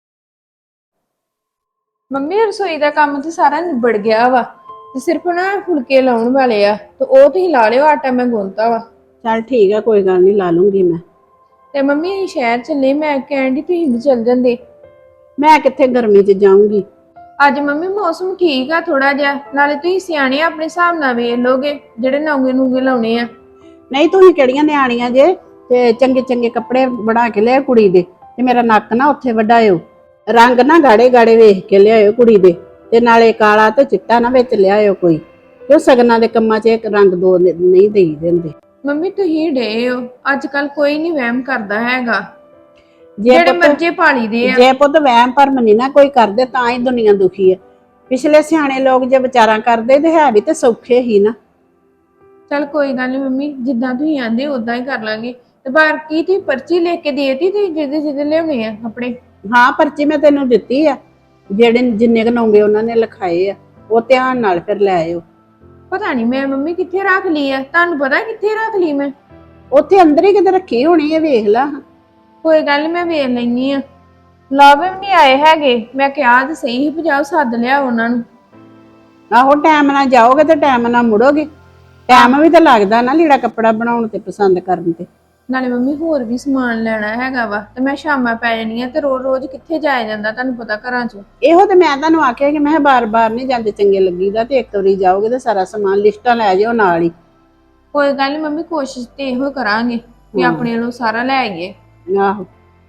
[SPEAKER 6] ਮੰਮੀ ਰਸੋਈ ਦਾ ਕੰਮ ਤੇ ਸਾਰਾ ਨਿਬੜ ਗਿਆ ਵਾ, ਤੇ ਸਿਰਫ ਨਾ ਫੁਲਕੇ ਲਾਉਣ ਵਾਲੇ ਆ, ਤੇ ਉਹ ਤੁਸੀਂ ਲਾ ਲਿਓ, ਆਟਾ ਮੈਂ ਗੁੰਨਤਾ ਵਾ।
[SPEAKER 7] ਚੱਲ ਠੀਕ ਆ, ਕੋਈ ਗੱਲ ਨਹੀਂ, ਲਾ ਲੂੰਗੀ ਮੈਂ।
[SPEAKER 6] ਤੇ ਮੰਮੀ ਅਸੀਂ ਸ਼ਹਿਰ ਚੱਲੇ, ਮੈਂ ਕਹਿਣ ਦੀ ਤੁਸੀਂ ਵੀ ਚੱਲ ਜਾਂਦੇ।
[SPEAKER 7] ਮੈਂ ਕਿੱਥੇ ਗਰਮੀ 'ਚ ਜਾਊਂਗੀ।
[SPEAKER 6] ਅੱਜ ਮੰਮੀ ਮੌਸਮ ਠੀਕ ਆ ਥੋੜਾ ਜਿਹਾ, ਨਾਲੇ ਤੁਸੀਂ ਸਿਆਣੇ ਆ, ਆਪਣੇ ਹਿਸਾਬ ਨਾਲ ਵੇਖ ਲੋਗੇ ਜਿਹੜੇ ਨੌਂਗੇ ਨੂੰਗੇ ਲਾਉਣੇ ਆ।
[SPEAKER 7] ਨਹੀਂ ਤੁਸੀਂ ਕਿਹੜੀਆਂ ਨਿਆਣੀਆਂ ਜੇ, ਤੇ ਚੰਗੇ ਚੰਗੇ ਕੱਪੜੇ ਬਣਾ ਕੇ ਲਿਆ ਕੁੜੀ ਦੇ, ਤੇ ਮੇਰਾ ਨੱਕ ਨਾ ਉੱਥੇ ਵਢਾਇਓ, ਰੰਗ ਨਾ ਗਾੜੇ ਗਾੜੇ ਵੇਖ ਕੇ ਲਿਆਇਓ ਕੁੜੀ ਦੇ, ਤੇ ਨਾਲੇ ਕਾਲਾ ਤੇ ਚਿੱਟਾ ਨਾ ਵਿੱਚ ਲਿਆਇਓ ਕੋਈ, ਕਿਉਂ ਸਗਨਾਂ ਦੇ ਕੰਮਾਂ 'ਚ ਇੱਕ ਰੰਗ ਦੋ ਨਹੀਂ ਦੇਈ ਦਿੰਦੇ।
[SPEAKER 6] ਮੰਮੀ ਤੁਸੀਂ ਡੇ ਹੋ, ਅੱਜ ਕੱਲ ਕੋਈ ਨਹੀਂ ਵਹਿਮ ਕਰਦਾ ਹੈਗਾ,
[SPEAKER 7] ਜੇ
[SPEAKER 6] ਜਿਹੜੇ
[SPEAKER 7] ਪੁੱਤ
[SPEAKER 6] ਮਰਜ਼ੀ ਪਾਲੀ ਦੇ ਆ।
[SPEAKER 7] ਜੇ ਪੁੱਤ ਵਹਿਮ ਭਰਮ ਨਹੀਂ ਨਾ ਕੋਈ ਕਰਦੇ, ਤਾਂ ਹੀ ਦੁਨੀਆ ਦੁਖੀ ਹੈ। ਪਿਛਲੇ ਸਿਆਣੇ ਲੋਕ ਜੇ ਵਿਚਾਰਾਂ ਕਰਦੇ ਤੇ ਹੈ ਵੀ ਤੇ ਸੌਖੇ ਹੀ ਨਾ।
[SPEAKER 6] ਚੱਲ ਕੋਈ ਗੱਲ ਨਹੀਂ ਮੰਮੀ, ਜਿੱਦਾਂ ਤੁਸੀਂ ਆਂਦੇ ਉਦਾਂ ਹੀ ਕਰ ਲਾਂਗੇ। ਤੇ ਬਾਕੀ ਤੁਸੀਂ ਪਰਚੀ ਲਿਖ ਕੇ ਦੇਤੀ ਤੇ ਜਿਹਦੇ ਜਿਹਦੇ ਲਿਆਉਣੇ ਆ ਕੱਪੜੇ?
[SPEAKER 7] ਹਾਂ ਪਰਚੀ ਮੈਂ ਤੈਨੂੰ ਦਿੱਤੀ ਆ, ਜਿਹੜੇ ਜਿੰਨੇ ਕਨਾਉਂਗੇ ਉਹਨਾਂ ਨੇ ਲਿਖਾਏ ਆ, ਉਹ ਧਿਆਨ ਨਾਲ ਫਿਰ ਲੈ ਆਇਓ।
[SPEAKER 6] ਪਤਾ ਨਹੀਂ ਮੈਂ ਮੰਮੀ ਕਿੱਥੇ ਰੱਖ ਲਈ ਆ, ਤੁਹਾਨੂੰ ਪਤਾ ਕਿੱਥੇ ਰੱਖ ਲਈ ਮੈਂ?
[SPEAKER 7] ਉੱਥੇ ਅੰਦਰ ਹੀ ਕਿਤੇ ਰੱਖੀ ਹੋਣੀ ਹੈ, ਵੇਖ ਲਾ।
[SPEAKER 6] ਕੋਈ ਗੱਲ ਨੀ, ਮੈਂ ਵੇਖ ਲੈਣੀ ਆ। ਲਾਭ ਵੀ ਨਹੀਂ ਆਏ ਹੈਗੇ, ਮੈਂ ਕਿਹਾ ਤੇ ਸਹੀ ਹੀ ਭਜਾਓ, ਸੱਦ ਲਿਆ ਉਹਨਾਂ ਨੂੰ।
[SPEAKER 7] ਆਹੋ ਟਾਈਮ ਨਾਲ ਜਾਓਗੇ ਤੇ ਟਾਈਮ ਨਾਲ ਮੁੜੋਗੇ, ਟਾਈਮ ਵੀ ਤਾਂ ਲੱਗਦਾ ਨਾ ਲੀੜਾ ਕੱਪੜਾ ਬਣਾਉਣ ਤੇ ਪਸੰਦ ਕਰਨ ਤੇ।
[SPEAKER 6] ਨਾਲੇ ਮੰਮੀ ਹੋਰ ਵੀ ਸਮਾਨ ਲੈਣਾ ਹੈਗਾ ਵਾ, ਤੇ ਮੈਂ ਸ਼ਾਮਾਂ ਪੈ ਜਾਣੀ ਆ, ਤੇ ਰੋਜ਼ ਰੋਜ਼ ਕਿੱਥੇ ਜਾਇਆ ਜਾਂਦਾ ਤੁਹਾਨੂੰ ਪਤਾ ਘਰਾਂ 'ਚ।
[SPEAKER 7] ਇਹੋ ਤੇ ਮੈਂ ਤੁਹਾਨੂੰ ਆਖਿਆ ਕਿ ਮੈਂ ਬਾਰ-ਬਾਰ ਨਹੀਂ ਜਾਂਦੇ ਚੰਗੇ ਲੱਗੀਦਾ, ਤੇ ਇੱਕ ਵਾਰੀ ਜਾਓਗੇ ਤੇ ਸਾਰਾ ਸਮਾਨ ਲਿਸਟਾਂ ਲੈ ਜਾਓ ਨਾਲ ਹੀ।
[SPEAKER 6] ਕੋਈ ਗੱਲ ਨਹੀਂ ਮੰਮੀ, ਕੋਸ਼ਿਸ਼ ਤੇ ਇਹੋ ਕਰਾਂਗੇ ਕਿ ਆਪਣੇ ਵੱਲੋਂ ਸਾਰਾ ਲੈ ਆਈਏ।
[SPEAKER 7] ਆਹੋ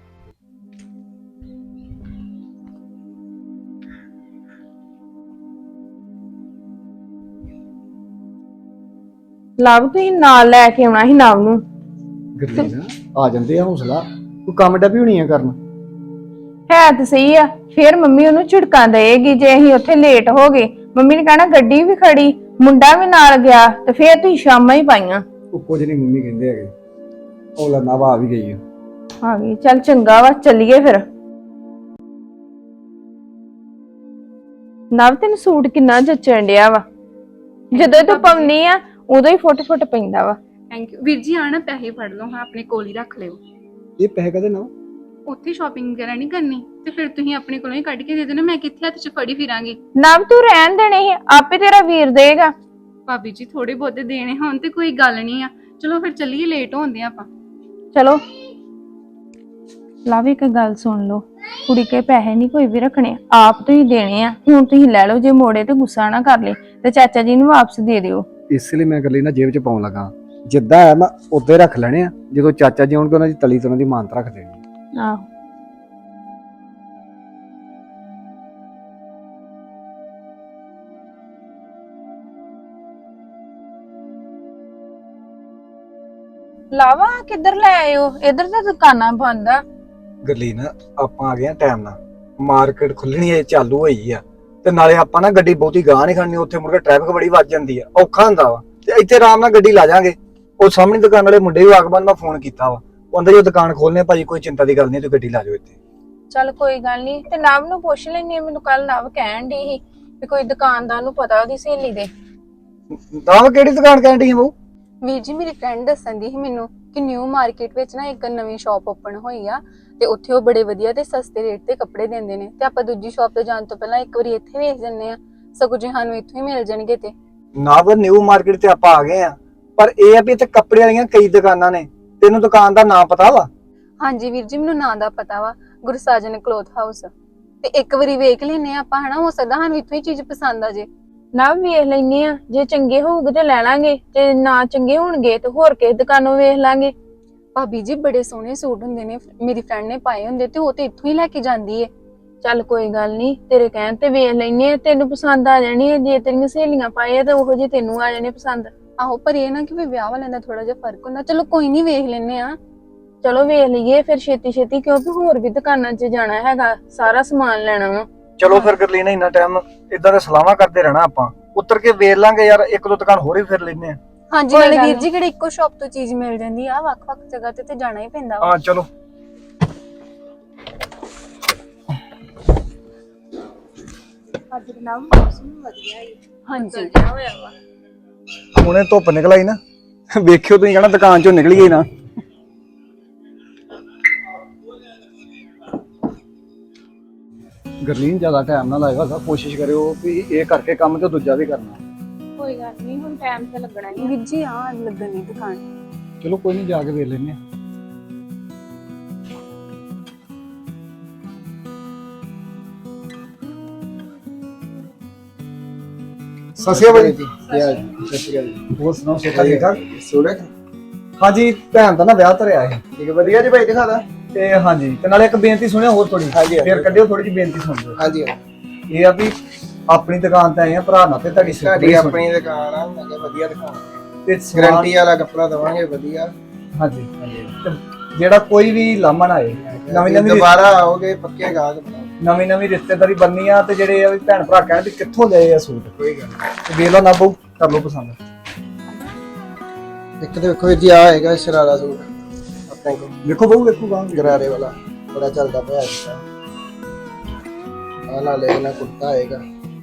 [SPEAKER 6] ਲਵ ਤੁਸੀਂ ਨਾਲ ਲੈ ਕੇ ਆਉਣਾ ਸੀ ਨਵ ਨੂੰ।
[SPEAKER 4] ਗਰਲੀਨ ਆ ਜਾਂਦੇ ਆ ਹੌਸਲਾ, ਤੂੰ ਕੰਮ ਡੱਬੀ ਹੋਣੀ ਆ ਕਰਨ।
[SPEAKER 6] ਹੈ ਤੇ ਸਹੀ ਆ, ਫੇਰ ਮੰਮੀ ਉਹਨੂੰ ਝਿੜਕਾਂ ਦੇਗੀ ਜੇ ਅਸੀਂ ਉੱਥੇ ਲੇਟ ਹੋ ਗਏ। ਮੰਮੀ ਨੇ ਕਹਿਣਾ ਗੱਡੀ ਵੀ ਖੜੀ, ਮੁੰਡਾ ਵੀ ਨਾਲ ਗਿਆ, ਤੇ ਫੇਰ ਤੁਸੀਂ ਸ਼ਾਮਾਂ ਹੀ ਪਾਈਆਂ।
[SPEAKER 4] ਉਹ ਕੁਝ ਨਹੀਂ ਮੰਮੀ ਕਹਿੰਦੇ ਹੈਗੇ, ਹੌਲਾ ਨਾ ਆ ਵੀ ਗਈ ਆ।
[SPEAKER 6] ਆ ਗਈ, ਚੱਲ ਚੰਗਾ ਵਾ, ਚੱਲੀਏ ਫਿਰ। ਨਵ ਤੈਨੂੰ ਸੂਟ ਕਿੰਨਾ ਜੱਚਣ ਡਿਆ ਵਾ, ਜਦੋਂ ਤੂੰ ਪਾਉਣੀ ਆ ਉਦੋਂ ਹੀ ਫੁੱਟ ਫੁੱਟ ਪੈਂਦਾ ਵਾ।
[SPEAKER 1] ਥੈਂਕ ਯੂ ਵੀਰ ਜੀ। ਆ ਨਾ ਪੈਸੇ ਫੜ ਲਓ, ਹਾਂ ਆਪਣੇ ਕੋਲ ਹੀ ਰੱਖ ਲਿਓ।
[SPEAKER 4] ਇਹ ਪੈਸੇ ਕਦੇ ਨਾ
[SPEAKER 1] ਉੱਥੇ ਸ਼ਾਪਿੰਗ ਵਗੈਰਾ ਨਹੀਂ ਕਰਨੀ ਤੇ ਫਿਰ ਤੁਸੀਂ ਆਪਣੇ ਕੋਲੋਂ ਹੀ ਕੱਢ ਕੇ ਦੇ ਦੇਣਾ, ਮੈਂ ਕਿੱਥੇ ਹੱਥ 'ਚ ਫੜੀ ਫਿਰਾਂਗੀ।
[SPEAKER 6] ਨਵ ਤੂੰ ਰਹਿਣ ਦੇਣੇ ਸੀ, ਆਪੇ ਤੇਰਾ ਵੀਰ ਦੇਗਾ।
[SPEAKER 1] ਭਾਬੀ ਜੀ ਥੋੜੇ ਬਹੁਤੇ ਦੇਣੇ ਹੋਣ ਤੇ ਕੋਈ ਗੱਲ ਨਹੀਂ ਆ। ਚਲੋ ਫਿਰ ਚੱਲੀਏ, ਲੇਟ ਹੋਣਦੇ ਆਪਾਂ।
[SPEAKER 6] ਚਲੋ ਲਵ, ਇੱਕ ਗੱਲ ਸੁਣ ਲਓ, ਕੁੜੀ ਕੇ ਪੈਸੇ ਨਹੀਂ ਕੋਈ ਵੀ ਰੱਖਣੇ, ਆਪ ਤੁਸੀਂ ਦੇਣੇ ਆ। ਹੁਣ ਤੁਸੀਂ ਲੈ ਲਓ, ਜੇ ਮੋੜੇ ਤੇ ਗੁੱਸਾ ਨਾ ਕਰ ਲੇ ਤੇ ਚਾਚਾ ਜੀ ਨੂੰ ਵਾਪਸ ਦੇ ਦਿਓ।
[SPEAKER 4] ਇਸ ਲਈ ਮੈਂ ਗਰਲੀਨ ਨਾ ਜੇਬ 'ਚ ਪਾਉਣ ਲੱਗਾ, ਜਿੱਦਾਂ ਹੈ ਮੈਂ ਉੱਦੇ ਰੱਖ ਲੈਣੇ ਆ, ਜਦੋਂ ਚਾਚਾ ਜੀ ਆਉਣਗੇ ਉਹਨਾਂ ਦੀ ਤਲੀ ਤੋਂ ਉਹਨਾਂ ਦੀ ਮਾਨਤਾ ਰੱਖ ਦੇਣੀ।
[SPEAKER 6] ਆਹੋ ਲਾਵਾ ਕਿੱਧਰ ਲੈ ਆਇਓ? ਇਧਰ ਤਾਂ ਦੁਕਾਨਾਂ ਬੰਦ ਆ।
[SPEAKER 4] ਗਰਲੀਨ ਆਪਾਂ ਆ ਗਏ ਆ ਟਾਈਮ ਨਾਲ, ਮਾਰਕੀਟ ਖੁੱਲਣੀ ਹੈ, ਚਾਲੂ ਹੋਈ ਆ, ਤੇ ਨਾਲੇ ਆਪਾਂ ਨਾ ਗੱਡੀ ਬਹੁਤੀ ਗਾਹ ਨਹੀਂ ਖੜਨੀ, ਉੱਥੇ ਮੁੜ ਕੇ ਟ੍ਰੈਫਿਕ ਬੜੀ ਵੱਜ ਜਾਂਦੀ ਆ, ਔਖਾ ਹੁੰਦਾ ਵਾ। ਤੇ ਇੱਥੇ ਆਰਾਮ ਨਾਲ ਗੱਡੀ ਲਾ ਜਾਾਂਗੇ। ਉਹ ਸਾਹਮਣੇ ਦੁਕਾਨ ਵਾਲੇ ਮੁੰਡੇ ਵੀ ਆਗਮਨ ਮੈਂ ਫੋਨ ਕੀਤਾ ਵਾ, ਉਹ ਅੰਦਰ ਜੋ ਦੁਕਾਨ ਖੋਲਨੇ ਭਾਜੀ, ਕੋਈ ਚਿੰਤਾ ਦੀ ਗੱਲ ਨਹੀਂ, ਤੂੰ ਗੱਡੀ ਲਾ ਜਾਓ ਇੱਥੇ।
[SPEAKER 6] ਚੱਲ ਕੋਈ ਗੱਲ ਨਹੀਂ, ਤੇ ਨਵ ਨੂੰ ਪੁੱਛ ਲੈਣੀ। ਮੈਨੂੰ ਕੱਲ ਨਵ ਕਹਿਣ ਦੀ ਸੀ ਵੀ ਕੋਈ ਦੁਕਾਨਦਾਰ ਨੂੰ ਪਤਾ ਉਹਦੀ ਸਹੇਲੀ ਦੇ।
[SPEAKER 4] ਤਾਂ ਕਿਹੜੀ ਦੁਕਾਨ ਕਹਿਣ ਡਈ ਆ ਬਹੂ?
[SPEAKER 3] ਵੀਰ ਜੀ ਮੇਰੀ ਫਰੈਂਡ ਦੱਸਣ ਦੀ ਸੀ ਮੈਨੂੰ ਕਿ ਨਿਊ ਮਾਰਕੀਟ ਵਿੱਚ ਨਾ ਇੱਕ ਨਵੀਂ ਸ਼ਾਪ ਓਪਨ ਹੋਈ ਆ, ਤੇ ਉੱਥੇ ਉਹ ਬੜੇ ਵਧੀਆ ਤੇ ਸਸਤੇ ਰੇਟ ਤੇ ਕੱਪੜੇ ਦਿੰਦੇ ਨੇ, ਤੇ ਆਪਾਂ ਦੂਜੀ ਸ਼ਾਪ ਤੇ ਜਾਣ ਤੋਂ ਪਹਿਲਾਂ ਇੱਕ ਵਾਰੀ ਇੱਥੇ ਵੇਖ ਜੰਨੇ ਆ, ਸਗੋਂ ਜੇ ਸਾਨੂੰ ਇੱਥੋਂ ਹੀ ਮਿਲ ਜਾਣਗੇ। ਤੇ
[SPEAKER 4] ਨਾ ਬਰ ਨਿਊ ਮਾਰਕੀਟ ਤੇ ਆਪਾਂ ਆ ਗਏ ਆ, ਪਰ ਇਹ ਆ ਵੀ ਇੱਥੇ ਕੱਪੜੇ ਵਾਲੀਆਂ ਕਈ ਦੁਕਾਨਾਂ ਨੇ, ਤੈਨੂੰ ਦੁਕਾਨ ਦਾ ਨਾਮ ਪਤਾ ਵਾ?
[SPEAKER 3] ਹਾਂਜੀ ਵੀਰ ਜੀ, ਮੈਨੂੰ ਨਾਂ ਦਾ ਪਤਾ ਵਾ, ਗੁਰਸਾਜਨ ਕਲੋਥ ਹਾਊਸ। ਤੇ ਇੱਕ ਵਾਰੀ ਵੇਖ ਲੈਨੇ ਆ ਆਪਾਂ, ਹਨਾ, ਹੋ ਸਕਦਾ ਸਾਨੂੰ ਇੱਥੋਂ ਹੀ ਚੀਜ਼ ਪਸੰਦ ਆ ਜੇ।
[SPEAKER 6] ਨਵ ਵੇਖ ਲੈਨੇ ਆ, ਜੇ ਚੰਗੇ ਹੋਊਗੇ ਤੇ ਲੈ ਲਾਂਗੇ, ਤੇ ਨਾ ਚੰਗੇ ਹੋਣਗੇ ਤੇ ਹੋਰ ਕਿਸੇ ਦੁਕਾਨੋਂ ਵੇਖ ਲਾਂਗੇ।
[SPEAKER 3] ਭਾਬੀ ਜੀ ਬੜੇ ਸੋਹਣੇ ਸੂਟ ਹੁੰਦੇ ਨੇ, ਮੇਰੀ ਫਰੈਂਡ ਨੇ ਪਾਏ ਹੁੰਦੇ, ਤੇ ਉਹ ਤੇ ਇੱਥੋਂ ਹੀ ਲੈ ਕੇ ਜਾਂਦੀ ਏ।
[SPEAKER 6] ਚੱਲ ਕੋਈ ਗੱਲ ਨਹੀਂ, ਤੇਰੇ ਕਹਿਣ ਤੇ ਵੇਖ ਲੈਨੇ ਆ, ਤੈਨੂੰ ਪਸੰਦ ਆ ਜਾਣੀ ਹੈ। ਜੇ ਤੇਰੀਆਂ ਸਹੇਲੀਆਂ ਪਾਏ ਆ ਤਾਂ ਉਹੋ ਜਿਹੇ ਤੈਨੂੰ ਆ ਜਾਣੇ ਪਸੰਦ।
[SPEAKER 3] ਆਹੋ, ਪਰ ਇਹ ਨਾ ਕਿ ਵੀ ਵਿਆਹ ਵਾਲਿਆਂ ਦਾ ਥੋੜਾ ਜਿਹਾ ਫਰਕ ਹੁੰਦਾ। ਚਲੋ ਕੋਈ ਨਹੀਂ, ਵੇਖ ਲੈਨੇ ਆ।
[SPEAKER 6] ਚਲੋ ਵੇਖ ਲਈਏ ਫਿਰ ਛੇਤੀ ਛੇਤੀ, ਕਿਉਂਕਿ ਹੋਰ ਵੀ ਦੁਕਾਨਾਂ 'ਚ ਜਾਣਾ ਹੈਗਾ, ਸਾਰਾ ਸਮਾਨ ਲੈਣਾ ਵਾ।
[SPEAKER 4] ਚਲੋ ਫਿਰ ਗਰਲੀਨ, ਇੰਨਾ ਟਾਈਮ ਇਦਾਂ ਦੇ ਸਲਾਹਾਂ ਕਰਦੇ ਰਹਿਣਾ, ਆਪਾਂ ਉੱਤਰ ਕੇ ਵੇਖ ਲਾਂਗੇ ਯਾਰ, ਇੱਕ ਦੋ ਦੁਕਾਨ ਹੋਰ ਹੀ ਫਿਰ ਲੈਨੇ ਆ।
[SPEAKER 3] ਹਾਂਜੀ ਨਾਲੇ ਵੀਰ ਜੀ ਕਿਹੜੇ ਇੱਕੋ ਸ਼ਾਪ ਤੋਂ ਚੀਜ਼ ਮਿਲ ਜਾਂਦੀ ਆ, ਵੱਖ-ਵੱਖ ਜਗ੍ਹਾ ਤੇ ਤੇ ਜਾਣਾ ਹੀ ਪੈਂਦਾ ਵਾ।
[SPEAKER 4] ਹਾਂ ਚਲੋ।
[SPEAKER 1] ਅੱਜ ਦਾ ਨਾਮ ਮੌਸਮ ਵਧੀਆ ਹੈ।
[SPEAKER 3] ਹਾਂਜੀ
[SPEAKER 4] ਹੁਣੇ ਧੁੱਪ ਨਿਕਲ ਆਈ ਨਾ, ਵੇਖਿਓ ਤੁਸੀਂ ਕਹਿਣਾ ਦੁਕਾਨ ਚੋਂ ਨਿਕਲੀ ਗਈ ਨਾ। ਗਰਲੀਨ ਜ਼ਿਆਦਾ ਟਾਈਮ ਨਾ ਲਾਇਓ, ਸਭ ਕੋਸ਼ਿਸ਼ ਕਰਿਓ ਵੀ ਇਹ ਕਰਕੇ ਕੰਮ ਤੇ ਦੂਜਾ ਵੀ ਕਰਨਾ।
[SPEAKER 6] ਕੋਈ ਗੱਲ ਨਹੀਂ, ਹੁਣ ਟਾਈਮ ਤੇ ਲੱਗਣਾ ਹੀ।
[SPEAKER 3] ਵੀਰ ਜੀ ਆ ਲੱਗਣ ਦੀ ਦੁਕਾਨ।
[SPEAKER 4] ਚਲੋ ਕੋਈ ਨਹੀਂ, ਜਾ ਕੇ ਵੇਖ ਲੈਨੇ ਆ। ਸਸਿਆ ਬਾਈ ਜੀ,
[SPEAKER 5] ਕੀ ਹਾਲ ਜੀ? ਸਤਿ ਸ਼੍ਰੀ ਅਕਾਲ ਜੀ।
[SPEAKER 4] ਹੋਰ ਸੁਣਾਓ, ਸੇਠਾ ਠੀਕ ਠਾਕ?
[SPEAKER 5] ਸੋਹਣਾ
[SPEAKER 4] ਹਾਂਜੀ, ਭੈਣ ਦਾ ਨਾ ਵਿਆਹ ਧਰਿਆ ਹੈ।
[SPEAKER 5] ਠੀਕ ਹੈ, ਵਧੀਆ ਜੀ ਭਾਈ, ਦਿਖਾਦਾ।
[SPEAKER 4] ਤੇ ਹਾਂਜੀ, ਤੇ ਨਾਲੇ ਇੱਕ ਬੇਨਤੀ ਸੁਣਿਓ ਹੋਰ ਥੋੜੀ,
[SPEAKER 5] ਹਾਂਜੀ, ਹਾਂਜੀ।
[SPEAKER 4] ਫੇਰ ਕੱਢਿਓ ਥੋੜੀ ਜਿਹੀ ਬੇਨਤੀ ਸੁਣ ਲਿਓ।
[SPEAKER 5] ਹਾਂਜੀ,
[SPEAKER 4] ਇਹ ਆ ਵੀ ਆਪਣੀ ਦੁਕਾਨ ਤੇ ਆਏ ਆ, ਭਰਾ ਨਾਲ ਤੇ ਤੁਹਾਡੀ
[SPEAKER 5] ਸਾਡੀ ਆਪਣੀ ਦੁਕਾਨ ਆ, ਮੈਂ ਕਿਹਾ ਵਧੀਆ ਦੁਕਾਨ
[SPEAKER 4] ਤੇ ਸਮਾਨ-
[SPEAKER 5] ਗਾਰੰਟੀ ਵਾਲਾ ਕੱਪੜਾ ਦਵਾਂਗੇ ਵਧੀਆ।
[SPEAKER 4] ਹਾਂਜੀ ਹਾਂਜੀ, ਤੇ ਜਿਹੜਾ ਕੋਈ ਵੀ ਲਾਮਾ ਨਾ ਆਏ, ਨਵੀਂ ਨਵੀਂ
[SPEAKER 5] ਦੁਬਾਰਾ ਆਓਗੇ ਪੱਕੇ ਗਾਹਕ ਬਣਾਓ।
[SPEAKER 4] ਨਵੀਂ ਨਵੀਂ ਰਿਸ਼ਤੇਦਾਰੀ ਬਣਨੀ ਆ, ਤੇ ਜਿਹੜੇ ਆ ਵੀ ਭੈਣ ਭਰਾ ਕਹਿਣ ਵੀ ਕਿੱਥੋਂ ਲਏ ਆ ਸੂਟ,
[SPEAKER 5] ਕੋਈ ਗੱਲ ਨਹੀਂ।
[SPEAKER 4] ਤੇ ਵੇਖ ਲਓ ਨਾ ਬਹੁ, ਕਰ ਲਓ ਪਸੰਦ।
[SPEAKER 5] ਇੱਕ ਤੇ ਵੇਖੋ ਜੀ, ਆ ਹੈਗਾ ਸ਼ਰਾਰਾ ਸੂਟ ਆਪਣੇ ਕੋਲ,
[SPEAKER 4] ਵੇਖੋ ਬਹੁ, ਵੇਖੋ ਗਾਂ
[SPEAKER 5] ਗਰਾਰੇ ਵਾਲਾ, ਬੜਾ ਚੱਲਦਾ ਪਿਆ ਅੱਜ ਕੱਲ੍ਹ। ਆ ਨਾਲ ਇਹਨਾਂ ਕੁੜਤਾ ਆਏਗਾ,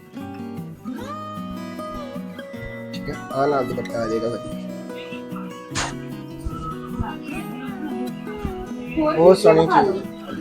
[SPEAKER 5] ਠੀਕ ਹੈ। ਆ ਨਾਲ ਦੁਪੱਟਾ ਆ ਜਾਏਗਾ ਵਧੀਆ, ਬਹੁਤ ਸੋਹਣੀ ਚੀਜ਼।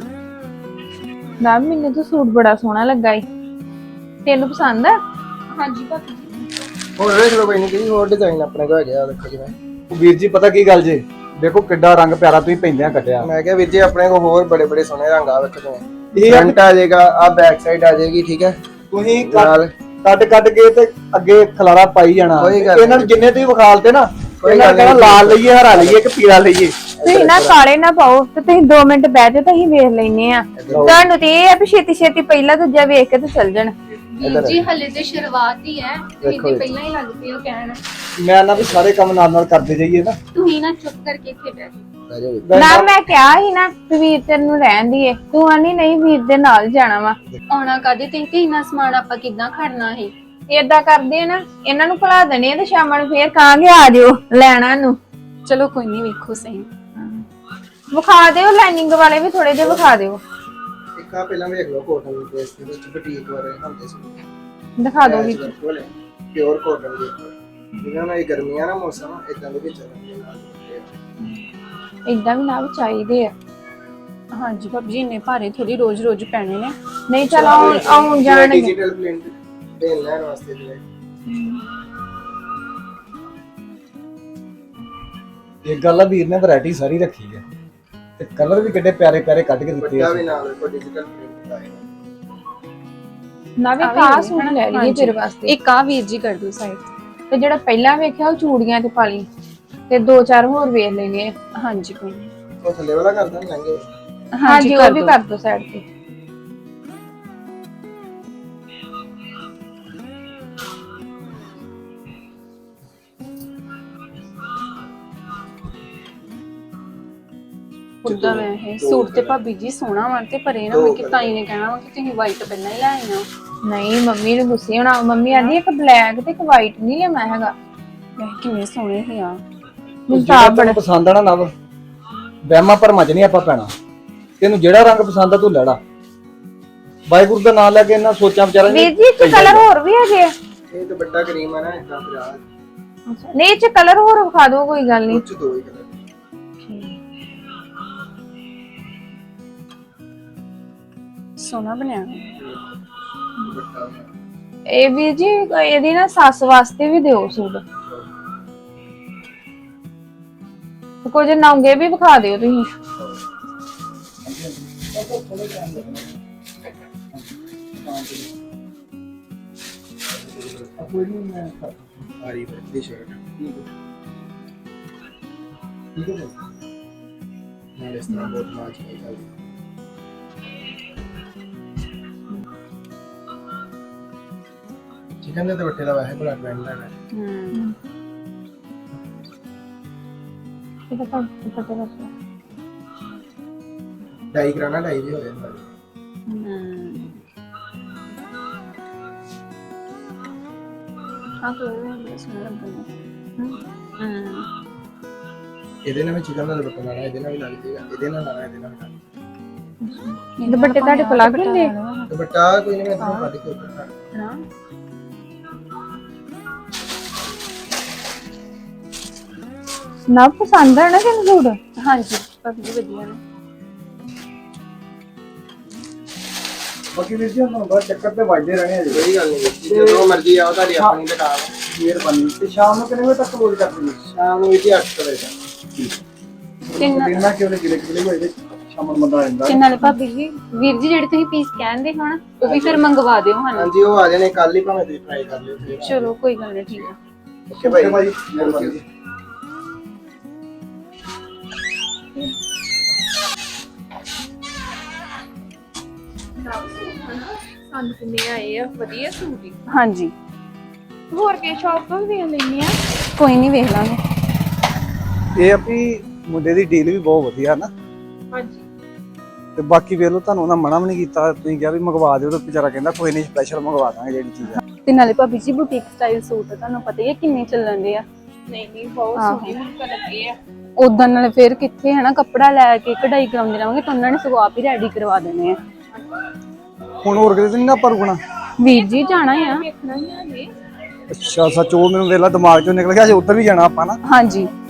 [SPEAKER 6] ਨਾ ਮੈਨੂੰ ਤਾਂ ਸੂਟ ਬੜਾ ਸੋਹਣਾ ਲੱਗਾ ਈ, ਤੈਨੂੰ ਪਸੰਦ ਆ?
[SPEAKER 1] ਹਾਂਜੀ ਭਾਬੀ।
[SPEAKER 5] ਹੋਰ ਵੇਖ ਲਓ, ਕੋਈ ਨਹੀਂ ਜੀ, ਹੋਰ ਡਿਜ਼ਾਈਨ ਆਪਣੇ ਕੋਲ ਹੈਗੇ ਆ, ਦੇਖੋ ਜਿਵੇਂ।
[SPEAKER 4] ਵੀਰ ਜੀ ਪਤਾ ਕੀ ਗੱਲ ਜੇ, ਦੇਖੋ ਕਿੱਡਾ ਰੰਗ ਪਿਆਰਾ ਤੁਸੀਂ ਪੈਂਦਿਆਂ ਕੱਟਿਆ।
[SPEAKER 5] ਮੈਂ ਕਿਹਾ ਵੀਰ ਜੀ ਆਪਣੇ ਕੋਲ ਹੋਰ ਬੜੇ ਬੜੇ ਸੋਹਣੇ ਰੰਗ ਆ ਵੇਖੋ।
[SPEAKER 4] ਇਹ ਆ
[SPEAKER 5] ਫਰੰਟ ਆ ਜਾਏਗਾ, ਆ ਬੈਕ ਸਾਈਡ ਆ ਜਾਏਗੀ, ਠੀਕ ਹੈ।
[SPEAKER 4] ਤੁਸੀਂ
[SPEAKER 5] ਨਾਲ
[SPEAKER 4] ਕੱਟ ਕੱਟ ਕੇ ਤੇ ਅੱਗੇ ਖਲਾਰਾ ਪਾਈ ਜਾਣਾ।
[SPEAKER 5] ਕੋਈ ਗੱਲ
[SPEAKER 4] ਇਹਨਾਂ ਨੂੰ ਜਿੰਨੇ ਤੁਸੀਂ ਵਿਖਾਲਤੇ ਨਾ, ਇਹਨਾਂ ਕਹਿਣਾ ਲਾਲ ਲਈਏ ਹਰਾ ਲਈਏ ਕਿ ਪੀਲਾ ਲਈਏ।
[SPEAKER 6] ਤੁਸੀਂ ਨਾ ਕਾਲੇ ਨਾ ਪਾਓ ਤੇ ਤੁਸੀਂ ਦੋ ਮਿੰਟ ਬਹਿ ਜਾਓ ਤਾਂ ਅਸੀਂ ਵੇਖ ਲੈਨੇ ਆ। ਤੁਹਾਨੂੰ ਤੇ ਇਹ ਆ ਵੀ ਛੇਤੀ ਛੇਤੀ ਪਹਿਲਾਂ ਦੂਜਾ ਵੇਖ ਕੇ ਤੇ ਚੱਲ ਜਾਣ।
[SPEAKER 3] ਵੀਰ ਜੀ ਹਲੇ ਤੇ ਸ਼ੁਰੂਆਤ ਹੀ ਹੈ, ਤੁਸੀਂ ਤੇ ਪਹਿਲਾਂ ਹੀ ਲੱਗਦੇ ਹੋ ਕਹਿਣ।
[SPEAKER 4] ਮੈਂ ਨਾ ਵੀ ਸਾਰੇ ਕੰਮ ਨਾਲ ਨਾਲ ਕਰਦੇ ਜਾਈਏ ਨਾ।
[SPEAKER 3] ਤੁਸੀਂ ਨਾ ਚੁੱਪ ਕਰਕੇ ਇੱਥੇ ਬੈਠ ਜਾਓ।
[SPEAKER 6] ਨਾ ਮੈਂ ਕਿਹਾ ਸੀ ਨਾ ਵੀ ਵੀਰ ਤੇਰੇ ਨੂੰ ਰਹਿਣ ਦੀਏ, ਤੂੰ ਆਨੀ ਨਹੀਂ ਵੀਰ ਦੇ ਨਾਲ ਜਾਣਾ ਵਾ।
[SPEAKER 3] ਆਉਣਾ ਕਾਦੇ ਤੇ ਤੇ ਇੰਨਾ ਸਮਾਨ ਆਪਾਂ ਕਿੱਦਾਂ ਖੜਨਾ ਹੈ।
[SPEAKER 6] ਏਦਾਂ ਕਰਦੇ ਆ ਨਾ, ਇਹਨਾਂ ਨੂੰ ਭੁਲਾ ਦੇਣੇ ਆ ਤੇ ਸ਼ਾਮਾਂ ਨੂੰ ਫੇਰ ਕਹਾਂਗੇ ਆ ਜਿਓ ਲੈਣਾ ਨੂੰ।
[SPEAKER 3] ਚਲੋ ਕੋਈ ਨਹੀਂ, ਵੇਖੋ ਸਹੀ।
[SPEAKER 6] ਵਿਖਾ ਦਿਓ ਲਾਈਨਿੰਗ ਵਾਲੇ ਵੀ ਥੋੜੇ ਜਿਹੇ ਵਿਖਾ ਦਿਓ।
[SPEAKER 5] ਇੱਕ ਆ ਪਹਿਲਾਂ ਵੇਖ ਲਓ ਕੋਟਨ ਦੇ ਪੇਸ ਦੇ ਵਿੱਚ ਬੁਟੀਕ ਵਾਲੇ ਹੁੰਦੇ ਸੀ।
[SPEAKER 6] ਦਿਖਾ ਦਿਓ ਵੀ
[SPEAKER 5] ਪਿਓਰ ਕੋਟਨ ਦੇ ਜਿਹਨਾਂ ਨਾਲ ਇਹ ਗਰਮੀਆਂ ਦਾ ਮੌਸਮ ਇਦਾਂ ਦੇ ਵਿੱਚ ਚੱਲਣਗੇ ਨਾਲ।
[SPEAKER 6] ਏਦਾਂ ਵੀ ਨਾ ਵੀ ਚਾਹੀਦੇ ਆ।
[SPEAKER 3] ਹਾਂਜੀ ਭਾਬੀ ਜੀ, ਇੰਨੇ ਭਾਰੇ ਥੋੜੀ ਰੋਜ਼ ਰੋਜ਼ ਪੈਣੇ ਨੇ।
[SPEAKER 6] ਨਹੀਂ ਚਲ ਆਉਣ ਆਉਣ ਜਾਣਗੇ।
[SPEAKER 5] ਡਿਜੀਟਲ ਪ੍ਰਿੰਟ ਪੇਨ ਲੈਣ ਵਾਸਤੇ ਜਿਹੜੇ
[SPEAKER 4] ਇੱਕ ਗੱਲ ਆ, ਵੀਰ ਨੇ ਵੈਰਾਈਟੀ ਸਾਰੀ ਰੱਖੀ ਹੈ ਤੇ ਕਲਰ ਵੀ ਕਿੱਡੇ ਪਿਆਰੇ ਪਿਆਰੇ ਕੱਢ ਕੇ ਦਿੱਤੇ ਆ।
[SPEAKER 5] ਵੱਡਾ ਵੀ ਨਾਲ ਕੋਈ ਡਿਜੀਟਲ ਪ੍ਰਿੰਟ ਆਏਗਾ।
[SPEAKER 6] ਨਾ ਵੀ ਕਾ ਸੂਟ ਲੈ ਲਈਏ ਤੇਰੇ ਵਾਸਤੇ।
[SPEAKER 3] ਇੱਕ ਆ ਵੀਰ ਜੀ ਕਰ ਦਿਓ ਸਾਈਡ
[SPEAKER 6] ਤੇ ਜਿਹੜਾ ਪਹਿਲਾਂ ਵੇਖਿਆ ਉਹ ਚੂੜੀਆਂ ਤੇ ਪਾ ਲਈ ਤੇ ਦੋ ਚਾਰ ਹੋਰ ਵੇਖ ਲੈਣੇ ਆ।
[SPEAKER 3] ਹਾਂਜੀ ਕੋਈ ਨਹੀਂ।
[SPEAKER 5] ਉਹ ਥੱਲੇ ਵਾਲਾ ਕਰ ਦਾਂ ਲਹਿੰਗੇ।
[SPEAKER 6] ਹਾਂਜੀ ਉਹ ਵੀ ਕਰ ਦੋ ਸਾਈਡ ਤੇ।
[SPEAKER 3] ਉਦਾਂ ਮੈਂ ਇਹ ਸੂਟ ਤੇ ਭਾਬੀ ਜੀ ਸੋਹਣਾ ਵਾ ਤੇ ਪਰੇ ਨਾ ਮੈਂ ਕਿ ਤਾਈ ਨੇ ਕਹਿਣਾ ਵਾ ਕਿ ਤੁਸੀਂ ਵਾਈਟ ਪਹਿਲਾਂ ਹੀ ਲੈ ਆਈਆਂ।
[SPEAKER 6] ਨਹੀਂ ਮੰਮੀ ਨੂੰ ਗੁੱਸੇ ਹੋਣਾ। ਮੰਮੀ ਆਂਦੀ ਇੱਕ ਬਲੈਕ ਤੇ ਇੱਕ ਵਾਈਟ ਨਹੀਂ ਲੈਣਾ ਹੈਗਾ।
[SPEAKER 3] ਇਹ ਕਿੰਨੇ ਸੋਹਣੇ ਸੀ ਆ।
[SPEAKER 6] ਮੈਨੂੰ ਤਾਂ ਆਪ
[SPEAKER 4] ਬੜਾ ਪਸੰਦ ਆਣਾ ਨਵ ਵਹਿਮਾਂ ਭਰਮਾਂ ਚ ਨਹੀਂ ਆਪਾਂ ਪੈਣਾ। ਤੈਨੂੰ ਜਿਹੜਾ ਰੰਗ ਪਸੰਦ ਆ ਤੂੰ ਲੈੜਾ। ਵਾਹਿਗੁਰੂ ਦਾ ਨਾਮ ਲੈ ਕੇ ਇਹਨਾਂ ਸੋਚਾਂ ਵਿਚਾਰਾਂ
[SPEAKER 6] ਵੀਰ ਜੀ ਇਹ ਚ ਕਲਰ ਹੋਰ ਵੀ ਹੈਗੇ ਆ।
[SPEAKER 5] ਇਹ ਤਾਂ ਵੱਡਾ ਕਰੀਮ ਆ ਨਾ ਇਦਾਂ ਪਿਆ।
[SPEAKER 6] ਨਹੀਂ ਇਹ ਚ ਕਲਰ ਹੋਰ ਵਿਖਾ ਦਿਓ, ਕੋਈ ਗੱਲ ਨਹੀਂ।
[SPEAKER 5] ਕੁਝ ਦੋ ਹੀ ਕਲਰ।
[SPEAKER 3] ਸੋਹਣਾ ਬਣਿਆ।
[SPEAKER 6] ਇਹ ਵੀਰ ਜੀ ਇਹਦੀ ਨਾ ਸੱਸ ਵਾਸਤੇ ਵੀ ਦਿਓ ਸੂਟ। ਕੁਝ ਨੌਂਗੇ ਵੀ ਵਿਖਾ ਦਿਓ ਤੁਸੀਂ।
[SPEAKER 5] ਆਰੀ ਦੀ ਸ਼ਰਟ ਠੀਕ ਹੈ। ਨਾਲ ਇਸ ਤਰ੍ਹਾਂ ਬਹੁਤ ਮਾਚ ਨਹੀਂ ਚੱਲਦੀ। ਚਿਕਨ ਦੇ ਦੁਪੱਟੇ ਦਾ ਵੈਸੇ ਬੜਾ ਟ੍ਰੈਂਡ ਹੈ।
[SPEAKER 3] ਹੂੰ
[SPEAKER 6] ਇਹਦਾ ਤਾਂ ਪਤਾ ਲੱਗ
[SPEAKER 5] ਡਾਈ ਕਰਾਣਾ ਡਾਈ ਵੀ ਹੋ ਜਾਂਦਾ।
[SPEAKER 3] ਹੂੰ ਆ ਕੋਈ ਨਹੀਂ ਸੋਹਣਾ ਲੱਗਦਾ। ਹੂੰ
[SPEAKER 5] ਇਹਦੇ ਨਾਲ ਵੀ ਚਿਕਨ ਦਾ ਦੁਪੱਟਾ ਲਾਣਾ, ਇਹਦੇ ਨਾਲ ਵੀ ਲੱਗ ਜਾਏਗਾ। ਇਹਦੇ ਨਾਲ ਲਾਣਾ, ਇਹਦੇ ਨਾਲ ਵੀ ਲੱਗ
[SPEAKER 6] ਦੁਪੱਟੇ ਤੁਹਾਡੇ ਕੋਲ ਲੱਗ ਜਾਂਦੇ
[SPEAKER 5] ਜਾਏਗਾ। ਦੁਪੱਟਾ ਕੋਈ ਨਹੀਂ, ਮੈਂ ਤੁਹਾਨੂੰ ਕੱਢ ਕੇ ਉੱਪਰ ਕਰ
[SPEAKER 3] ਨਾ।
[SPEAKER 6] ਨਾ ਪਸੰਦ ਆ ਨਾ ਤੈਨੂੰ ਸੂਟ?
[SPEAKER 3] ਹਾਂਜੀ ਭਾਬੀ ਜੀ ਵਧੀਆ ਨੇ।
[SPEAKER 4] ਬਾਕੀ ਵੀਰ ਜੀ ਹੁਣ ਬਾਅਦ ਚੱਕਰ ਤੇ ਵੱਜਦੇ ਰਹਿਣੇ ਆ ਜੀ।
[SPEAKER 5] ਕੋਈ ਗੱਲ ਨਹੀਂ, ਜਦੋਂ ਮਰਜ਼ੀ ਆਓ, ਤੁਹਾਡੀ ਆਪਣੀ ਦੁਕਾਨ ਹੈ।
[SPEAKER 4] ਮਿਹਰਬਾਨੀ। ਤੇ ਸ਼ਾਮ ਨੂੰ ਕਿੰਨੇ ਵਜੇ ਤੱਕ ਕਲੋਜ਼ ਕਰ ਦਿੰਦੇ?
[SPEAKER 5] ਸ਼ਾਮ ਨੂੰ ਵੀ ਅੱਠ ਵਜੇ ਤੱਕ।
[SPEAKER 4] ਦਿਨਾਂ ਕਿਉਂ ਨਹੀਂ ਗਿਲੇ ਗਿਲੇ ਹੋਏ ਸ਼ਾਮ ਨੂੰ ਬੰਦਾ ਆ ਜਾਂਦਾ।
[SPEAKER 3] ਤੇ ਨਾਲੇ ਭਾਬੀ ਜੀ ਵੀਰ ਜੀ ਜਿਹੜੇ ਤੁਸੀਂ ਪੀਸ ਕਹਿੰਦੇ ਹੋ ਨਾ ਉਹ ਵੀ ਫਿਰ ਮੰਗਵਾ ਦਿਓ ਸਾਨੂੰ।
[SPEAKER 5] ਹਾਂਜੀ ਉਹ ਆ ਜਾਣੇ ਕੱਲ ਹੀ, ਭਾਵੇਂ ਤੁਸੀਂ ਟਰਾਈ ਕਰ ਲਿਓ ਫਿਰ।
[SPEAKER 3] ਚਲੋ ਕੋਈ ਗੱਲ ਨਹੀਂ, ਠੀਕ ਆ।
[SPEAKER 5] ਓਕੇ ਭਾਈ, ਮਿਹਰਬਾਨੀ।
[SPEAKER 2] ਸਾਨੂੰ ਕਿੰਨੇ ਆਏ ਆ ਵਧੀਆ ਸੂਟ ਹੀ।
[SPEAKER 3] ਹਾਂਜੀ
[SPEAKER 2] ਹੋਰ ਕੇ ਸ਼ਾਪ ਤੋਂ ਵੀ ਲੈਣੇ ਆ।
[SPEAKER 3] ਕੋਈ ਨਹੀਂ, ਵੇਖ ਲਾਂਗੇ।
[SPEAKER 4] ਇਹ ਆ ਵੀ ਮੁੰਡੇ ਦੀ ਡੀਲ ਵੀ ਬਹੁਤ ਵਧੀਆ ਨਾ।
[SPEAKER 2] ਹਾਂਜੀ
[SPEAKER 4] ਤੇ ਬਾਕੀ ਵੇਖ ਲਓ, ਤੁਹਾਨੂੰ ਉਹਨਾਂ ਮਨਾ ਵੀ ਨਹੀਂ ਕੀਤਾ। ਤੁਸੀਂ ਕਿਹਾ ਵੀ ਮੰਗਵਾ ਦਿਓ, ਤਾਂ ਵਿਚਾਰਾ ਕਹਿੰਦਾ ਕੋਈ ਨਹੀਂ, ਸਪੈਸ਼ਲ ਮੰਗਵਾ ਦਾਂਗੇ ਜਿਹੜੀ ਚੀਜ਼ ਆ।
[SPEAKER 3] ਤੇ ਨਾਲੇ ਭਾਬੀ ਜੀ ਬੁਟੀਕ ਸਟਾਈਲ ਸੂਟ ਤੁਹਾਨੂੰ ਪਤਾ ਹੀ ਹੈ ਕਿੰਨੇ ਚੱਲਣ ਦੇ ਆ।
[SPEAKER 2] ਨਹੀਂ ਨਹੀਂ ਬਹੁਤ ਸੋਹਣੇ ਹੁਣ ਲੱਗੇ ਆ।
[SPEAKER 3] ਉਦਾਂ ਨਾਲੇ ਫਿਰ ਕਿੱਥੇ ਹੈ ਨਾ ਕੱਪੜਾ ਲੈ ਕੇ ਕਢਾਈ ਕਰਾਉਂਦੇ ਰਹਾਂਗੇ ਤਾਂ ਉਹਨਾਂ ਨੇ ਸਗੋਂ ਆਪ ਹੀ ਰੈਡੀ ਕਰਵਾ ਦੇਣੇ ਆ।
[SPEAKER 4] ਹੁਣ ਹੋਰ ਕਿਤੇ ਨਹੀਂ ਨਾ ਆਪਾਂ ਰੁਕਣਾ?
[SPEAKER 3] ਵੀਰ ਜੀ ਜਾਣਾ ਆ।
[SPEAKER 2] ਵੇਖਣਾ ਹੀ ਆ ਜੀ।
[SPEAKER 4] ਅੱਛਾ ਸੱਚ, ਉਹ ਮੈਨੂੰ ਵੇਲਾ ਦਿਮਾਗ ਚੋਂ ਨਿਕਲ ਗਿਆ, ਜੇ ਉੱਧਰ ਵੀ ਜਾਣਾ ਆਪਾਂ ਨਾ।
[SPEAKER 3] ਹਾਂਜੀ